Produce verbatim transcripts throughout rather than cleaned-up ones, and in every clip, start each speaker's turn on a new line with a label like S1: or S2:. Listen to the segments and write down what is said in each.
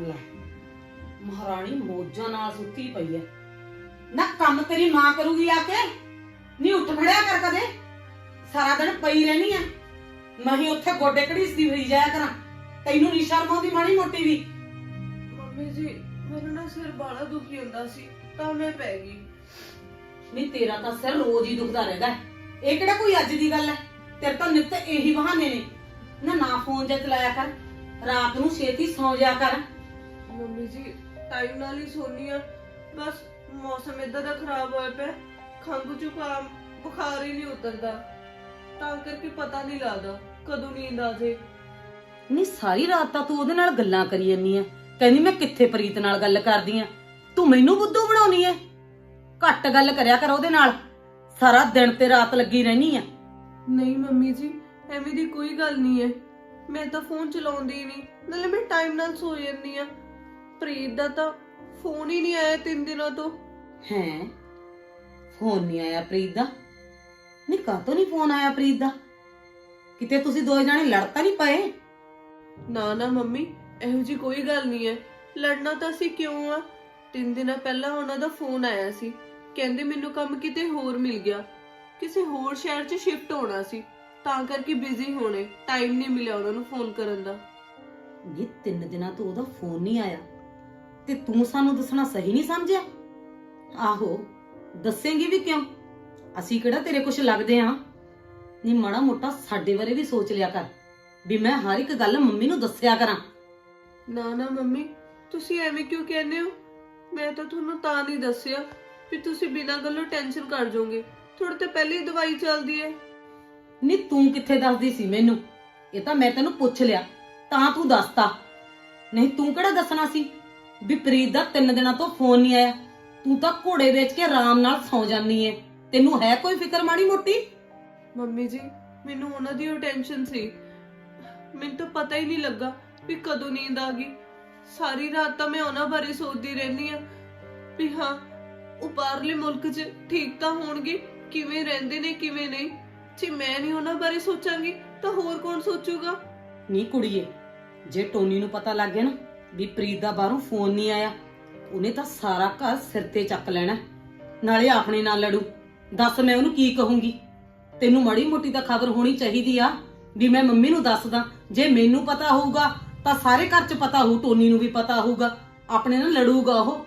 S1: ਲੈ ਮਹਾਰਾਣੀ ਮੋਜਾਂ ਨਾਲ ਸੁੱਤੀ ਪਈ ਐ ਨਾ। ਕੰਮ ਤੇਰੀ ਮਾਂ ਕਰੂਗੀ ਆ ਕੇ। ਨਹੀਂ ਉੱਠ ਖੜਿਆ ਕਰ ਕਦੇ, ਸਾਰਾ ਦਿਨ ਪਈ ਰਹਿਣੀ ਐ। ਮੈਂ ਹੀ ਉੱਥੇ ਗੋਡੇ ਘੜੀਸਦੀ ਹੋਈ ਜਾਇਆ ਕਰਾਂ, ਤੈਨੂੰ ਨੀ ਸ਼ਰਮ ਆਉਂਦੀ ਮਾੜੀ ਮੋਟੀ ਵੀ?
S2: ਮੰਮੀ ਜੀ ਮੇਰਾ ਨਾ ਸਿਰ ਬਾਲਾ ਦੁਖੀ ਹੁੰਦਾ ਸੀ ਤਾਂ ਮੈਂ ਪੈ ਗਈ।
S1: ਨਹੀਂ ਤੇਰਾ ਤਾਂ ਸਿਰ ਰੋਜ਼ ਹੀ ਦੁਖਦਾ ਰਹਿੰਦਾ, ਇਹ ਕਿਹੜਾ ਕੋਈ ਅੱਜ ਦੀ ਗੱਲ ਐ? ਤੇਰੇ ਤਾਂ ਨਿੱਤ ਇਹੀ ਬਹਾਨੇ ਨੇ ਨਾ। ਨਾ ਫੋਨ ਜੇ ਚਲਾਇਆ ਕਰ, ਰਾਤ ਨੂੰ ਛੇਤੀ ਸੌਂ ਜਾ ਕਰ।
S2: ਮੰਮੀ ਜੀ ਟਾਈਮ ਨਾਲ ਹੀ ਸੋਨੀ ਆ, ਬਸ ਮੌਸਮ ਏਦਾਂ ਦਾ ਖਰਾਬ ਹੋਇਆ ਪਿਆ, ਖੰਘ ਜ਼ੁਕਾਮ ਬੁਖਾਰ ਹੀ ਨਹੀਂ ਉਤਰਦਾ, ਤਾਂ ਕਰਕੇ ਪਤਾ ਨਹੀਂ ਲੱਗਦਾ ਕਦੋਂ ਨੀਂਦ ਆ ਜੇ।
S1: ਨਹੀਂ ਸਾਰੀ ਰਾਤ ਤਾਂ ਤੂੰ ਉਹਦੇ ਨਾਲ ਗੱਲਾਂ ਕਰੀ ਜਾਂਦੀ ਐ, ਕਹਿੰਦੀ ਮੈਂ ਕਿੱਥੇ ਪ੍ਰੀਤ ਨਾਲ ਗੱਲ ਕਰਦੀ ਆ। ਤੂੰ ਮੈਨੂੰ ਬੁੱਧੂ ਬਣਾਉਣੀ ਐ? ਘੱਟ ਗੱਲ ਕਰਿਆ ਕਰ ਉਹਦੇ ਨਾਲ, ਸਾਰਾ ਦਿਨ ਤੇ ਰਾਤ ਲੱਗੀ ਰਹਿਣੀ ਆ।
S2: ਨਹੀਂ ਮੰਮੀ ਜੀ ਐਵੇਂ ਦੀ ਕੋਈ ਗੱਲ ਨਹੀਂ ਹੈ, ਮੈਂ ਤਾਂ ਫੋਨ ਚਲਾਉਂਦੀ ਹੀ ਨਹੀਂ, ਨਾਲੇ ਮੈਂ ਟਾਈਮ ਨਾਲ ਸੋ ਜਾਂਦੀ ਆ। ਪ੍ਰੀਤ ਦਾ ਤਾਂ ਫੋਨ ਹੀ ਨਹੀਂ ਆਇਆ ਤਿੰਨ ਦਿਨਾਂ ਤੋਂ।
S1: ਹੈਂ, ਫੋਨ ਨਹੀਂ ਆਇਆ ਪ੍ਰੀਤ ਦਾ? ਨਹੀਂ ਕਾਹਤੋਂ ਨਹੀਂ ਫੋਨ ਆਇਆ ਪ੍ਰੀਤ ਦਾ? ਕਿਤੇ ਤੁਸੀਂ ਦੋਏ ਜਾਣੇ ਲੜ ਤਾਂ ਨਹੀਂ ਪਏ?
S2: ਨਾ ਨਾ ਮੰਮੀ ਇਹੋ ਜੀ ਕੋਈ ਗੱਲ ਨਹੀਂ ਹੈ, ਲੜਨਾ ਤਾਂ ਅਸੀਂ ਕਿਉਂ ਆ। ਤਿੰਨ ਦਿਨਾਂ ਪਹਿਲਾਂ ਉਹਨਾਂ ਦਾ ਫੋਨ ਆਇਆ ਸੀ, ਕਹਿੰਦੇ ਮੈਨੂੰ ਕੰਮ ਕਿਤੇ ਹੋਰ ਮਿਲ ਗਿਆ, ਕਿਸੇ ਹੋਰ ਸ਼ਹਿਰ 'ਚ ਸ਼ਿਫਟ ਹੋਣਾ ਸੀ, ਤਾਂ ਕਰਕੇ ਬਿਜ਼ੀ ਹੋਣੇ, ਟਾਈਮ ਨਹੀਂ ਮਿਲਿਆ ਉਹਨਾਂ ਨੂੰ ਫੋਨ ਕਰਨ ਦਾ।
S1: ਇਹ ਤਿੰਨ ਦਿਨਾਂ ਤੋਂ ਉਹਦਾ ਫੋਨ ਨਹੀਂ ਆਇਆ ਤੇ ਤੂੰ ਸਾਨੂੰ ਦੱਸਣਾ ਸਹੀ ਨਹੀਂ ਸਮਝਿਆ? ਆਹੋ ਦੱਸੇਂਗੀ ਵੀ ਕਿਉਂ? ਅਸੀਂ ਕਿਹੜਾ ਤੇਰੇ ਕੁਛ ਲੱਗਦੇ ਆ? ਨਹੀਂ ਮਾੜਾ ਮੋਟਾ ਸਾਡੇ ਬਾਰੇ ਵੀ ਸੋਚ ਲਿਆ ਕਰ ਵੀ ਮੈਂ ਹਰ ਇੱਕ ਗੱਲ ਮੰਮੀ ਨੂੰ ਦੱਸਿਆ ਕਰਾਂ।
S2: ਨਾ ਨਾ ਮੰਮੀ ਤੁਸੀਂ ਐਵੇਂ ਕਿਉਂ ਕਹਿੰਦੇ ਹੋ? ਮੈਂ ਤਾਂ ਤੁਹਾਨੂੰ ਤਾਂ ਨਹੀਂ ਦੱਸਿਆ ਵੀ ਤੁਸੀਂ ਬਿਨਾਂ ਗੱਲੋਂ ਟੈਨਸ਼ਨ ਕਰ ਜਾਓਗੇ, ਥੋੜੇ ਤੇ ਪਹਿਲੇ ਹੀ ਦਵਾਈ ਚੱਲਦੀ ਹੈ।
S1: ਨਹੀਂ ਤੂੰ ਕਿੱਥੇ ਦੱਸਦੀ ਸੀ ਮੈਨੂੰ? ਇਹ ਤਾਂ ਮੈਂ ਤੈਨੂੰ ਪੁੱਛ ਲਿਆ ਤਾਂ ਤੂੰ ਦੱਸਤਾ, ਨਹੀਂ ਤੂੰ ਕਿਹੜਾ ਦੱਸਣਾ ਸੀ ਵੀ ਪ੍ਰੀਤ ਦਾ ਤਿੰਨ ਦਿਨਾਂ ਤੋਂ ਫੋਨ ਨਹੀਂ ਆਇਆ? ਤੂੰ ਤਾਂ ਘੋੜੇ ਵੇਚ ਕੇ ਆਰਾਮ ਨਾਲ ਸੌਂ ਜਾਂਦੀ ਏ, ਤੈਨੂੰ ਹੈ ਕੋਈ ਫਿਕਰ ਮਾੜੀ ਮੋਟੀ?
S2: ਮੰਮੀ ਜੀ ਮੈਨੂੰ ਉਹਨਾਂ ਦੀ ਉਹ ਟੈਨਸ਼ਨ ਸੀ, ਮੈਨੂੰ ਤਾਂ ਪਤਾ ਹੀ ਨਹੀਂ ਲੱਗਾ ਵੀ ਕਦੋਂ ਨੀਂਦ ਆ ਗਈ। ਸਾਰੀ ਰਾਤ ਤਾਂ ਮੈਂ ਉਹਨਾਂ ਬਾਰੇ ਸੋਚਦੀ ਰਹਿੰਦੀ ਆ ਵੀ ਹਾਂ ਉਹ ਬਾਹਰਲੇ ਮੁਲਕ 'ਚ ਠੀਕ ਤਾਂ ਹੋਣਗੇ, ਕਿਵੇਂ ਰਹਿੰਦੇ ਨੇ ਕਿਵੇਂ ਨਹੀਂ। ਜੇ ਮੈਂ ਨਹੀਂ ਉਹਨਾਂ ਬਾਰੇ ਸੋਚਾਂਗੀ ਤਾਂ ਹੋਰ ਕੌਣ ਸੋਚੂਗਾ?
S1: ਨਹੀਂ ਕੁੜੀਏ, ਜੇ ਟੋਨੀ ਨੂੰ ਪਤਾ ਲੱਗ ਗਿਆ ਨਾ ਵੀ ਪ੍ਰੀਤ ਦਾ ਬਾਹਰੋਂ ਫੋਨ ਨਹੀਂ ਆਇਆ, ਉਹਨੇ ਤਾਂ ਸਾਰਾ ਘਰ ਸਿਰ ਤੇ ਚੱਕ ਲੈਣਾ, ਨਾਲੇ ਆਪਣੇ ਨਾਲ ਲੜੂ। ਦੱਸ ਮੈਂ ਉਹਨੂੰ ਕੀ ਕਹੂੰਗੀ? ਤੈਨੂੰ ਮਾੜੀ ਮੋਟੀ ਤਾਂ ਖਬਰ ਹੋਣੀ ਚਾਹੀਦੀ ਆ ਵੀ ਮੈਂ ਮੰਮੀ ਨੂੰ ਦੱਸਦਾ। ਜੇ ਮੈਨੂੰ ਪਤਾ ਹੋਊਗਾ ਤਾਂ ਸਾਰੇ ਘਰ 'ਚ ਪਤਾ ਹੋਊ, ਟੋਨੀ ਨੂੰ ਵੀ ਪਤਾ ਹੋਊਗਾ, ਆਪਣੇ ਨਾਲ ਲੜੂਗਾ ਉਹ।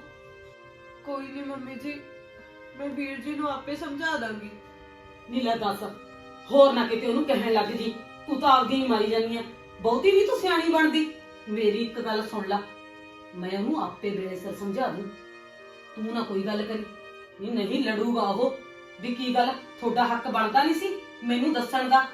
S2: ਕੋਈ ਨਹੀਂ ਮੰਮੀ ਜੀ, ਮੈਂ ਵੀਰ ਜੀ ਨੂੰ ਆਪੇ ਸਮਝਾ ਦਾਂਗੀ।
S1: ਨਹੀਂ ਲੈ ਦੱਸ, ਹੋਰ ਨਾ ਕਿਤੇ ਉਹਨੂੰ ਕਹਿਣ ਲੱਗ ਜੀ ਤੂੰ ਤਾਂ ਆਪਦੀ ਹੀ ਮਾਰੀ ਜਾਂਦੀ ਆ, ਬਹੁਤੀ ਨਹੀਂ ਤੂੰ ਸਿਆਣੀ ਬਣਦੀ। ਮੇਰੀ ਇੱਕ ਗੱਲ ਸੁਣ ਲੈ, ਮੈਂ ਉਹਨੂੰ ਆਪੇ ਵੇਲੇ ਸਿਰ ਸਮਝਾ ਦੂੰ, ਤੂੰ ਨਾ ਕੋਈ ਗੱਲ ਕਰੀ। ਨਹੀਂ ਨਹੀਂ ਲੜੂਗਾ ਉਹ ਵੀ ਕੀ ਗੱਲ, ਤੁਹਾਡਾ ਹੱਕ ਬਣਦਾ ਨਹੀਂ ਸੀ ਮੈਨੂੰ ਦੱਸਣ ਦਾ?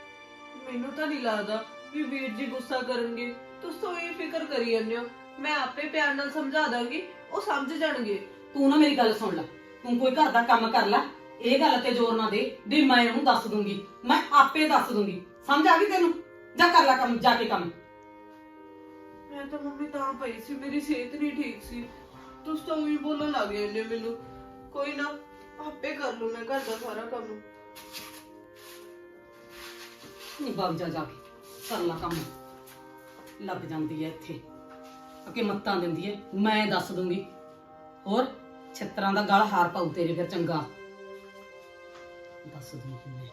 S2: ਮੈਨੂੰ ਤਾਂ ਨਹੀਂ ਲੱਗਦਾ ਵੀ ਵੀਰ ਜੀ ਗੁੱਸਾ ਕਰਨਗੇ, ਤੁਸੀਂ ਤਾਂ ਇਹ ਫਿਕਰ ਕਰੀ ਜਾਂਦੇ ਹੋ। ਮੈਂ ਆਪੇ ਪਿਆਰ ਨਾਲ ਸਮਝਾ ਦਾਂਗੀ, ਉਹ ਸਮਝ ਜਾਣਗੇ।
S1: ਤੂੰ ਨਾ ਮੇਰੀ ਗੱਲ ਸੁਣ ਲੈ, ਤੂੰ ਕੋਈ ਘਰ ਦਾ ਕੰਮ ਕਰ ਲੈ, ਇਹ ਗੱਲ ਤੇ ਜ਼ੋਰ ਨਾ ਦੇ ਵੀ ਮੈਂ ਉਹਨੂੰ ਦੱਸ ਦੂੰਗੀ, ਮੈਂ ਆਪੇ ਦੱਸ ਦੂੰਗੀ। ਸਮਝ ਆ ਗਈ ਤੈਨੂੰ? ਜਾ ਕਰ ਲੈ ਕੰਮ, ਜਾ ਕੇ ਕੰਮ।
S2: ਮੈਂ ਤਾਂ ਮੰਮੀ ਤਾਂ ਪਈ ਸੀ, ਮੇਰੀ ਸਿਹਤ ਨਹੀਂ ਠੀਕ ਸੀ, ਤੁਸੀਂ ਤਾਂ ਉਹੀ ਬੋਲਣ ਲੱਗ ਜਾਂਦੇ ਮੈਨੂੰ। ਕੋਈ ਨਾ ਆਪੇ ਕਰ ਲੂ ਮੈਂ ਘਰ ਦਾ ਸਾਰਾ ਕੰਮ।
S1: ਨਹੀਂ ਬਾਗ ਜਾ ਜਾ ਕੇ ਕਰ ਲੈ ਕੰਮ। ਲੱਗ ਜਾਂਦੀ ਐ ਇੱਥੇ ਅਕੇ ਮੱਤਾਂ ਦਿੰਦੀ ਐ, ਮੈਂ ਦੱਸ ਦੂੰਗੀ। ਹੋਰ ਛਿੱਤਰਾਂ ਦਾ ਗਲ ਹਾਰ ਪਾਉ ਤੇਰੇ ਫਿਰ, ਚੰਗਾ ਦੱਸ ਦੂੰਗੀ ਮੈਂ।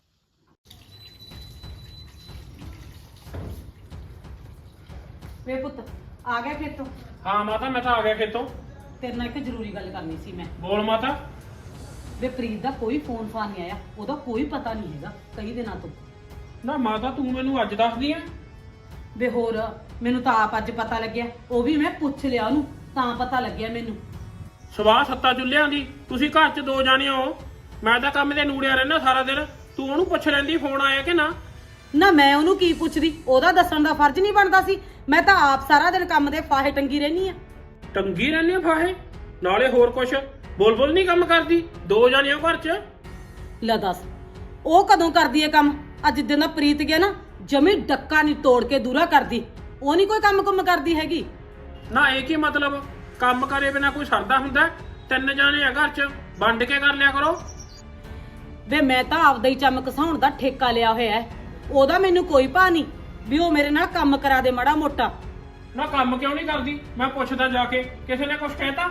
S1: ਵੇ ਪੁੱਤ ਆ ਗਿਆ ਖੇਤੋਂ?
S3: ਹਾਂ ਮਾਤਾ ਮੈਂ ਤਾਂ ਆ ਗਿਆ ਖੇਤੋਂ।
S1: ਤੇਰੇ ਨਾਲ ਇੱਕ ਜ਼ਰੂਰੀ ਗੱਲ ਕਰਨੀ ਸੀ ਮੈਂ।
S3: ਬੋਲ ਮਾਤਾ।
S1: ਵੇ ਪ੍ਰੀਤ ਦਾ ਕੋਈ ਫੋਨ ਫਾਨ ਨਹੀਂ ਆਇਆ, ਉਹਦਾ ਕੋਈ ਪਤਾ ਨਹੀਂ ਹੈਗਾ ਕਈ ਦਿਨਾਂ ਤੋਂ।
S3: ਨਾ ਮਾਤਾ ਤੂੰ ਮੈਨੂੰ ਅੱਜ ਦੱਸਦੀ ਐ?
S1: ਵੇ ਹੋਰ ਮੈਨੂੰ ਤਾਂ ਆਪ ਅੱਜ ਪਤਾ ਲੱਗਿਆ, ਉਹ ਵੀ ਮੈਂ ਪੁੱਛ ਲਿਆ ਉਹਨੂੰ ਤਾਂ ਪਤਾ ਲੱਗਿਆ ਮੈਨੂੰ।
S3: ਸਵਾਹ ਸੱਤਾ ਚੁੱਲ੍ਹਿਆਂ ਦੀ, ਤੁਸੀਂ ਘਰ 'ਚ ਦੋ ਜਾਣੇ ਹੋ, ਮੈਂ ਤਾਂ ਕੰਮ ਤੇ ਨੂੜਿਆ ਰਹਿਣਾ ਸਾਰਾ ਦਿਨ, ਤੂੰ ਉਹਨੂੰ ਪੁੱਛ ਲੈਂਦੀ ਫੋਨ ਆਇਆ ਕਿ ਨਾ।
S1: ਨਾ ਮੈਂ ਉਹਨੂੰ ਕੀ ਪੁੱਛਦੀ, ਉਹਦਾ ਦੱਸਣ ਦਾ ਫਰਜ਼ ਨਹੀਂ ਬਣਦਾ ਸੀ? ਮੈਂ ਤਾਂ ਆਪ ਸਾਰਾ ਦਿਨ ਕੰਮ ਦੇ ਫਾਹੇ ਟੰਗੀ ਰਹਿਨੀ ਆ।
S3: ਟੰਗੀ ਰਹਿੰਦੀ ਆ ਫਾਹੇ? ਨਾਲੇ ਹੋਰ ਕੁਛ ਬੋਲ ਬੋਲ ਨਹੀਂ ਕੰਮ ਕਰਦੀ, ਦੋ ਜਾਣੇ ਹੋ ਘਰ 'ਚ।
S1: ਲੈ ਦੱਸ ਉਹ ਕਦੋਂ ਕਰਦੀ ਹੈ ਕੰਮ? ਅੱਜ ਦਿਨ ਦਾ ਪ੍ਰੀਤ ਗਿਆ ਨਾ, ਜਮੀ ਡੱਕਾ ਨਹੀਂ ਤੋੜ ਕੇ ਦੂਰਾ ਕਰਦੀ, ਉਹ ਨਹੀਂ ਕੋਈ ਕੰਮ ਕੁੰਮ ਕਰਦੀ ਹੈਗੀ।
S3: ਨਾ ਇਹ ਕੀ ਮਤਲਬ? ਕੰਮ ਕਰੇ ਬਿਨਾ ਕੋਈ ਸਰਦਾ ਹੁੰਦਾ? ਤਿੰਨ ਜਾਣੇ ਆ ਘਰ 'ਚ, ਵੰਡ ਕੇ ਕਰ ਲਿਆ ਕਰੋ।
S1: ਵੇ ਮੈਂ ਤਾਂ ਆਪਦਾ ਹੀ ਚਮਕ ਘਸਾਉਣ ਦਾ ਠੇਕਾ ਲਿਆ ਹੋਇਆ ਹੈ, ਉਹਦਾ ਮੈਨੂੰ ਕੋਈ ਭਾ ਨਹੀਂ ਵੀ ਉਹ ਮੇਰੇ ਨਾਲ ਕੰਮ ਕਰਾ ਦੇ ਮਾੜਾ ਮੋਟਾ।
S3: ਨਾ ਕੰਮ ਕਿਉਂ ਨਹੀਂ ਕਰਦੀ? ਮੈਂ ਪੁੱਛਦਾ ਜਾ ਕੇ, ਕਿਸੇ ਨੇ ਕੁਝ ਕਹਿਤਾ?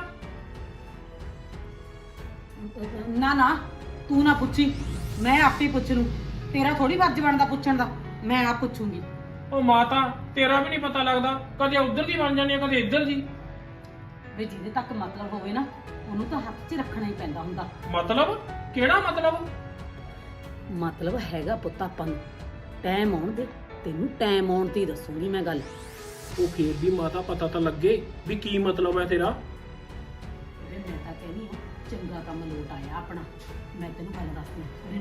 S1: ਨਾ ਨਾ ਤੂੰ ਨਾ ਪੁੱਛੀ, ਮੈਂ ਆਪੇ ਪੁੱਛ ਲੂੰ। ਤੇਰਾ ਥੋੜੀ ਫਰਜ਼ ਬਣਦਾ ਪੁੱਛਣ ਦਾ, ਮੈਂ ਆਪ ਪੁੱਛੂੰਗੀ।
S3: ਉਹ ਮਾਤਾ, ਤੇਰਾ ਵੀ ਨਹੀਂ ਪਤਾ ਲੱਗਦਾ, ਕਦੇ ਉਧਰ ਦੀ ਬਣ ਜਾਂਦੀ ਹੈ, ਕਦੇ ਇੱਧਰ ਦੀ।
S1: ਵੀ ਜਿਹਦੇ ਤੱਕ ਮਤਲਬ ਹੋਵੇ ਨਾ, ਉਹਨੂੰ ਤਾਂ ਹੱਥ 'ਚ ਰੱਖਣਾ ਹੀ ਪੈਂਦਾ ਹੁੰਦਾ।
S3: ਮਤਲਬ? ਕਿਹੜਾ ਮਤਲਬ?
S1: ਮਤਲਬ ਹੈਗਾ ਪੁੱਤ ਆਪਾਂ ਨੂੰ। ਟਾਈਮ ਆਉਣ ਦੇ, ਤੈਨੂੰ ਟਾਈਮ ਆਉਣ ਤੇ ਹੀ ਦੱਸੂਗੀ ਮੈਂ ਗੱਲ।
S3: ਉਹ ਫੇਰ ਵੀ ਮਾਤਾ ਪਤਾ ਤਾਂ ਲੱਗੇ ਵੀ ਕੀ ਮਤਲਬ ਹੈ ਤੇਰਾ।
S1: ਵੇ ਮੈਂ ਤਾਂ ਕਹਿੰਦੀ ਹਾਂ ਚੰਗਾ ਕੰਮ ਲੋਟ ਆਇਆ ਆਪਣਾ। ਮੈਂ ਤੈਨੂੰ ਗੱਲ ਦੱਸਦੀ ਹਾਂ।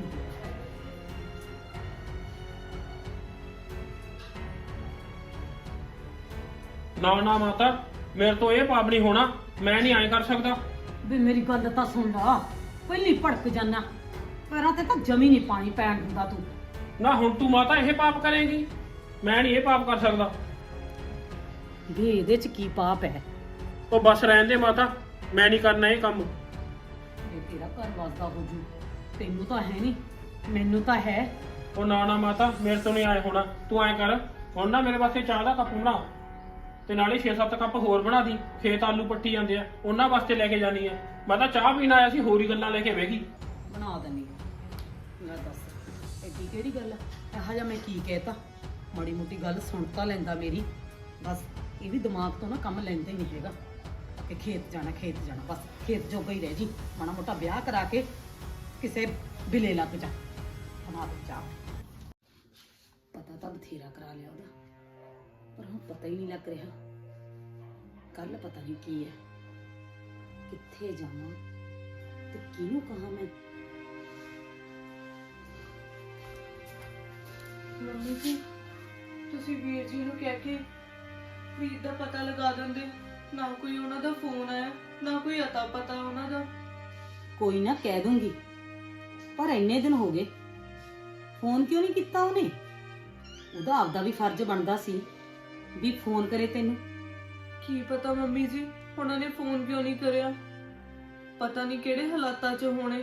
S3: ਨਾ ਨਾ ਮਾਤਾ, ਮੇਰੇ ਤੋਂ ਇਹ ਪਾਪ ਨਹੀਂ ਹੋਣਾ, ਮੈਂ ਨਹੀਂ ਐਂ ਕਰ ਸਕਦਾ।
S1: ਵੇ ਮੇਰੀ ਗੱਲ ਤਾਂ ਸੁਣ ਲਾ, ਪਹਿਲੀ ਭੜਕ ਜਾਨਾ, ਪੈਰਾਂ ਤੇ ਤਾਂ ਜਮੀ ਨਹੀਂ ਪਾਣੀ ਪੈਣ ਦਿੰਦਾ ਤੂੰ।
S3: ਨਾ ਹੁਣ ਤੂੰ ਮਾਤਾ ਇਹ ਪਾਪ ਕਰੇਂਗੀ? ਮੈਂ ਨਹੀਂ ਇਹ ਪਾਪ ਕਰ ਸਕਦਾ।
S1: ਵੇ ਇਹਦੇ 'ਚ ਕੀ ਪਾਪ ਹੈ?
S3: ਉਹ ਬਸ ਰਹਿਣ ਦੇ ਮਾਤਾ, ਮੈਂ ਨਹੀਂ ਕਰਨਾ ਇਹ ਕੰਮ।
S1: ਵੇ ਤੇਰਾ ਘਰ ਵਸਦਾ ਹੋ ਜੂ, ਤੈਨੂੰ ਤਾਂ ਹੈ ਨਹੀਂ, ਮੈਨੂੰ ਤਾਂ ਹੈ।
S3: ਉਹ ਨਾ ਨਾ ਮਾਤਾ, ਮੇਰੇ ਤੋਂ ਨਹੀਂ ਆਏ ਹੋਣਾ। ਤੂੰ ਐਂ ਕਰ, ਹੁਣ ਨਾ ਮੇਰੇ ਵਾਸਤੇ ਚਾਹ ਦਾ ਕੱਪ ਬਣਾ, ਤੇ ਨਾਲੇ ਛੇ ਸੱਤ ਕੱਪ ਹੋਰ ਬਣਾ ਦੀ। ਖੇਤ ਆਲੂ ਪੱਟੀ ਜਾਂਦੇ ਆ, ਉਹਨਾਂ ਵਾਸਤੇ ਲੈ ਕੇ ਜਾਣੀ ਆ। ਮੈਂ ਤਾਂ ਚਾਹ ਪੀਣ ਆਇਆ ਸੀ, ਹੋਰ ਹੀ ਗੱਲਾਂ ਲੈ ਕੇ ਬਹਿ ਗਈ।
S1: ਬਣਾ ਦਿੰਨੀ ਆ। ਲੈ ਦੱਸ ਐਡੀ ਕਿਹੜੀ ਗੱਲ ਆ? ਇਹੋ ਜਿਹਾ ਮੈਂ ਕੀ ਕਹਿਤਾ? ਮਾੜੀ ਮੋਟੀ ਗੱਲ ਸੁਣ ਤਾਂ ਲੈਂਦਾ ਮੇਰੀ। ਬਸ ਇਹ ਵੀ ਦਿਮਾਗ ਤੋਂ ਨਾ ਕੰਮ ਲੈਂਦਾ ਹੀ ਨਹੀਂ ਹੈਗਾ ਕਿ ਖੇਤ ਜਾਣਾ ਖੇਤ ਜਾਣਾ, ਬਸ ਖੇਤ ਜੋਗਾ ਹੀ ਰਹਿ ਜੀ। ਮਾੜਾ ਮੋਟਾ ਵਿਆਹ ਕਰਾ ਕੇ ਕਿਸੇ ਬਿਲੇ ਲੱਗ ਜਾ। ਬਣਾ ਦੇ ਚਾਹ। ਪਤਾ ਤਾਂ ਬਥੇਰਾ ਕਰਾ ਲਿਆ ਉਹਦਾ, ਪਰ ਹੁਣ ਪਤਾ ਹੀ ਨਹੀਂ ਲੱਗ ਰਿਹਾ ਕੱਲ ਪਤਾ ਨਹੀਂ ਕੀ ਹੈ, ਕਿੱਥੇ ਜਾਵਾਂ ਤੇ ਕਿਹਨੂੰ ਕਹਾਂ ਮੈਂ।
S2: ਮੰਮੀ ਜੀ, ਤੁਸੀਂ ਵੀਰ ਜੀ ਨੂੰ ਕਹਿ ਕੇ ਵੀਰ ਦਾ ਪਤਾ ਲਗਾ ਦਿੰਦੇ। ਨਾ ਕੋਈ ਉਹਨਾਂ ਦਾ ਫੋਨ ਆਇਆ, ਨਾ ਕੋਈ ਅਤਾ ਪਤਾ ਉਹਨਾਂ ਦਾ।
S1: ਕੋਈ ਨਾ ਕਹਿ ਦੂੰਗੀ, ਪਰ ਇੰਨੇ ਦਿਨ ਹੋ ਗਏ, ਫੋਨ ਕਿਉਂ ਨਹੀਂ ਕੀਤਾ ਉਹਨੇ? ਉਹਦਾ ਆਪਦਾ ਵੀ ਫਰਜ਼ ਬਣਦਾ ਸੀ ਵੀ ਫੋਨ ਕਰੇ ਤੈਨੂੰ।
S2: ਕੀ ਪਤਾ ਮੰਮੀ ਜੀ, ਉਹਨਾਂ ਨੇ ਫੋਨ ਕਿਉਂ ਨਹੀਂ ਕਰਿਆ? ਪਤਾ ਨਹੀਂ ਕਿਹੜੇ ਹਾਲਾਤਾਂ 'ਚ ਹੋਣੇ,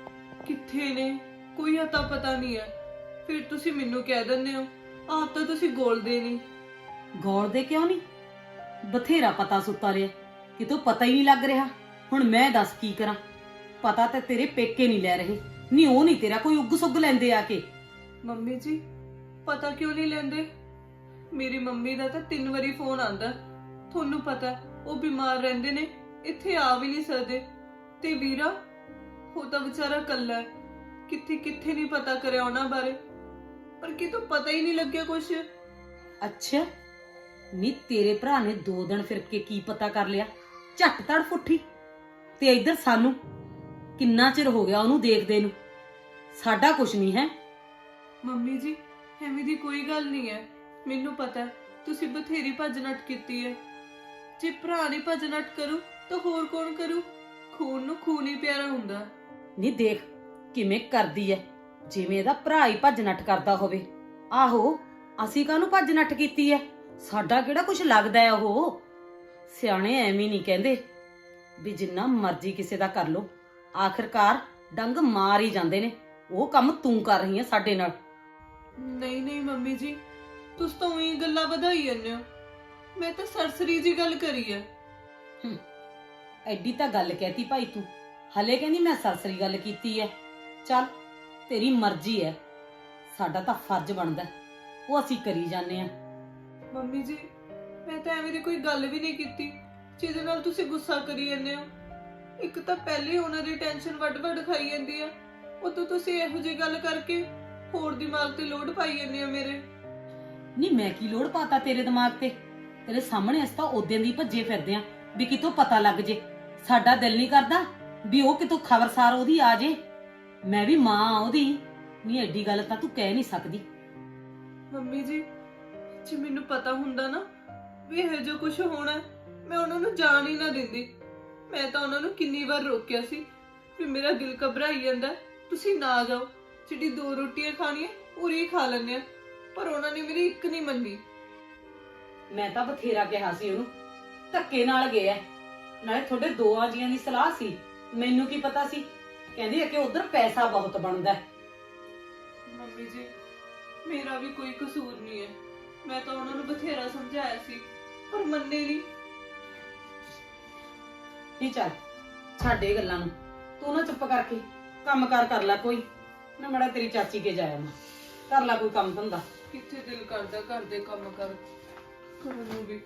S2: ਕਿੱਥੇ ਨੇ, ਕੋਈ ਅਤਾ ਪਤਾ ਨਹੀਂ ਹੈ। ਫਿਰ ਤੁਸੀਂ ਮੈਨੂੰ ਕਹਿ ਦਿੰਦੇ ਹੋ, ਆਪ ਤਾਂ ਤੁਸੀਂ ਗੋਲਦੇ ਨਹੀਂ।
S1: ਗੌਰ ਦੇ ਕਿਉਂ ਨਹੀਂ? ਬਥੇਰਾ ਪਤਾ ਸੁੱਤਾ ਰਿਹਾ, ਕਿਤੋਂ ਪਤਾ ਹੀ ਨਹੀਂ ਲੱਗ ਰਿਹਾ। ਹੁਣ ਮੈਂ ਦੱਸ ਕੀ ਕਰਾਂ? ਪਤਾ ਤਾਂ ਤੇਰੇ ਪੇਕੇ ਨਹੀਂ ਲੈ ਰਹੇ, ਨਹੀਂ ਉਹ ਨਹੀਂ ਤੇਰਾ ਕੋਈ ਉੱਗ ਸੁੱਗ ਲੈਂਦੇ ਆ ਕੇ।
S2: ਮੰਮੀ ਜੀ, ਪਤਾ ਕਿਉਂ ਨਹੀਂ ਲੈਂਦੇ? ਮੇਰੀ ਮੰਮੀ ਦਾ ਤਾਂ ਤਿੰਨ ਵਾਰੀ ਫੋਨ ਆਂਦਾ। ਤੁਹਾਨੂੰ ਪਤਾ ਉਹ ਬਿਮਾਰ ਰਹਿੰਦੇ ਨੇ, ਇੱਥੇ ਆ ਵੀ ਨਹੀਂ ਸਕਦੇ। ਤੇ ਵੀਰਾ, ਉਹ ਤਾਂ ਵਿਚਾਰਾ ਕੱਲਾ ਹੈ, ਕਿੱਥੇ ਕਿੱਥੇ ਨਹੀਂ ਪਤਾ ਕਰਿਆ ਉਹਨਾਂ ਬਾਰੇ, ਪਰ ਕਿਤੋਂ ਪਤਾ ਹੀ ਨਹੀਂ ਲੱਗਿਆ ਕੁਛ।
S1: ਅੱਛਾ, ਨੀ ਤੇਰੇ ਭਰਾ ਨੇ ਦੋ ਦਿਨ ਫਿਰ ਕੇ ਕੀ ਪਤਾ ਕਰ ਲਿਆ? ਝੱਟ ਤੜ ਫੁੱਠੀ। ਤੇ ਇੱਧਰ ਸਾਨੂੰ ਕਿੰਨਾ ਚਿਰ ਹੋ ਗਿਆ ਉਹਨੂੰ ਦੇਖਦੇ ਨੂੰ, ਸਾਡਾ ਕੁਛ ਨਹੀਂ ਹੈ।
S2: ਮੰਮੀ ਜੀ, ਐਵੇਂ ਦੀ ਕੋਈ ਗੱਲ ਨਹੀਂ ਹੈ। ਮੈਨੂੰ ਪਤਾ ਤੁਸੀਂ ਬਥੇਰੀ ਭੱਜ ਨੱਠ ਕੀਤੀ ਹੈ। ਜੇ ਭਰਾ ਨੇ ਭੱਜ ਨੱਠ ਕਰੂ ਤਾਂ ਹੋਰ ਕੌਣ ਕਰੂ? ਖੂਨ ਨੂੰ ਖੂਨ ਹੀ ਪਿਆਰਾ ਹੁੰਦਾ।
S1: ਨੀ ਦੇਖ ਕਿਵੇਂ ਕਰਦੀ ਐ, ਜਿਵੇਂ ਇਹਦਾ ਭਰਾ ਹੀ ਭੱਜ ਨੱਠ ਕਰਦਾ ਹੋਵੇ। ਆਹੋ, ਅਸੀਂ ਕਾਹਨੂੰ ਭੱਜ ਨੱਠ ਕੀਤੀ ਐ? ਸਾਡਾ ਕਿਹੜਾ ਕੁਝ ਲੱਗਦਾ ਐ? ਉਹ ਸਿਆਣੇ ਐਵੇਂ ਨਹੀਂ ਕਹਿੰਦੇ ਵੀ ਜਿੰਨਾ ਮਰਜ਼ੀ ਕਿਸੇ ਦਾ ਕਰ ਲੋ, ਆਖਿਰਕਾਰ ਡੰਗ ਮਾਰ ਹੀ ਜਾਂਦੇ ਨੇ। ਉਹ ਕੰਮ ਤੂੰ ਕਰ ਰਹੀ ਐ ਸਾਡੇ ਨਾਲ।
S2: ਨਹੀਂ ਨਹੀਂ ਮੰਮੀ ਜੀ, ਤੁਸੀਂ ਤਾਂ ਉਹੀ ਗੱਲਾਂ ਵਧਾਈ ਜਾਂਦੇ ਹੋ। ਮੈਂ ਤਾਂ ਸਰਸਰੀ ਜੀ ਗੱਲ ਕਰੀ ਹੈ।
S1: ਹੂੰ, ਐਡੀ ਤਾਂ ਗੱਲ ਕਹਿਤੀ ਭਾਈ ਤੂੰ, ਹਲੇ ਕਹਿੰਦੀ ਮੈਂ ਸਰਸਰੀ ਗੱਲ ਕੀਤੀ ਐ। ਚੱਲ ਤੇਰੀ ਮਰਜ਼ੀ ਐ, ਸਾਡਾ ਤਾਂ ਫਰਜ਼ ਬਣਦਾ, ਉਹ ਅਸੀਂ ਕਰੀ ਜਾਂਦੇ ਆ।
S2: ਮੰਮੀ ਜੀ, ਮੈਂ ਤਾਂ ਐਵੇਂ ਦੀ ਕੋਈ ਗੱਲ ਵੀ ਨਹੀਂ ਕੀਤੀ ਜਿਹਦੇ ਨਾਲ ਤੁਸੀਂ ਗੁੱਸਾ ਕਰੀ ਜਾਂਦੇ ਹੋ। ਇੱਕ ਤਾਂ ਪਹਿਲੇ ਉਹਨਾਂ ਦੀ ਟੈਨਸ਼ਨ ਵੱਡ ਵੱਡ ਖਾਈ ਜਾਂਦੀ ਆ, ਉਤੋਂ ਤੁਸੀਂ ਇਹੋ ਜਿਹੀ ਗੱਲ ਕਰਕੇ ਹੋਰ ਦਿਮਾਗ ਤੇ ਲੋਡ ਪਾਈ ਜਾਂਦੇ ਹੋ ਮੇਰੇ।
S1: ਨਹੀਂ ਮੈਂ ਕੀ ਲੋੜ ਪਾਤਾ ਤੇਰੇ ਦਿਮਾਗ ਤੇ? ਤੇਰੇ ਸਾਹਮਣੇ ਅਸੀਂ ਤਾਂ ਉਦੋਂ ਦੀ ਭੱਜੇ ਫਿਰਦੇ ਆ ਵੀ ਕਿਤੋਂ ਪਤਾ ਲੱਗ ਜੇ। ਸਾਡਾ ਦਿਲ ਨਹੀਂ ਕਰਦਾ ਵੀ ਉਹ ਕਿਤੋਂ ਖਬਰਸਾਰ ਉਹਦੀ ਆ ਜੇ। ਮੈਂ ਵੀ ਮਾਂ ਆ ਉਹਦੀ। ਨਹੀਂ ਐਡੀ ਗੱਲ ਤਾਂ ਤੂੰ ਕਹਿ ਨਹੀਂ ਸਕਦੀ।
S2: ਮੰਮੀ ਜੀ, ਜੇ ਮੈਨੂੰ ਪਤਾ ਹੁੰਦਾ ਨਾ ਵੀ ਇਹੋ ਜਿਹਾ ਕੁਝ ਹੋਣਾ, ਮੈਂ ਉਹਨਾਂ ਨੂੰ ਜਾਣ ਹੀ ਨਾ ਦਿੰਦੀ। ਮੈਂ ਤਾਂ ਉਹਨਾਂ ਨੂੰ ਕਿੰਨੀ ਵਾਰ ਰੋਕਿਆ ਸੀ ਵੀ ਮੇਰਾ ਦਿਲ ਘਬਰਾਈ ਜਾਂਦਾ, ਤੁਸੀਂ ਨਾ ਜਾਓ, ਜਿਹੜੀ ਦੋ ਰੋਟੀਆਂ ਖਾਣੀਆਂ ਪੂਰੀ ਖਾ ਲੈਂਦੇ ਆ। ਪਰ ਉਹਨਾਂ ਨੇ ਮੇਰੀ ਇੱਕ ਨਹੀਂ ਮੰਨੀ।
S1: ਮੈਂ ਤਾਂ ਬਥੇਰਾ ਕਿਹਾ ਸੀ ਉਹਨੂੰ, ਧੱਕੇ ਨਾਲ ਗਿਆ। ਨਾਲੇ ਤੁਹਾਡੇ ਦੋਆਂ ਜੀਆਂ ਦੀ ਸਲਾਹ ਸੀ, ਮੈਨੂੰ ਕੀ ਪਤਾ ਸੀ? ਕਹਿੰਦੀ ਹੈ ਕਿ ਉਧਰ ਪੈਸਾ ਬਹੁਤ ਬਣਦਾ।
S2: ਮੰਮੀ ਜੀ, ਮੇਰਾ ਵੀ ਕੋਈ ਕਸੂਰ ਨਹੀਂ ਹੈ। ਮੈਂ ਤਾਂ ਉਹਨਾਂ ਨੂੰ ਬਥੇਰਾ ਸਮਝਾਇਆ ਸੀ, ਪਰ ਮੰਨੇ ਨਹੀਂ।
S1: ਨਹੀਂ ਚੱਲ ਛੱਡ ਇਹ ਗੱਲਾਂ ਨੂੰ, ਤੂੰ ਨਾ ਚੁੱਪ ਕਰਕੇ ਕੰਮ ਕਾਰ ਕਰ ਲੈ ਕੋਈ ਨਾ। ਮੜਾ ਤੇਰੀ ਚਾਚੀ ਕੇ ਜਾਇਆ ਮੈਂ, ਕਰ ਲੈ ਕੋਈ ਕੰਮ ਧੰਦਾ।
S2: ਕਿੱਥੇ ਦਿਲ ਕਰਦਾ ਘਰ ਦੇ ਕੰਮ ਕਰ ਕਰਨ ਨੂੰ ਵੀ।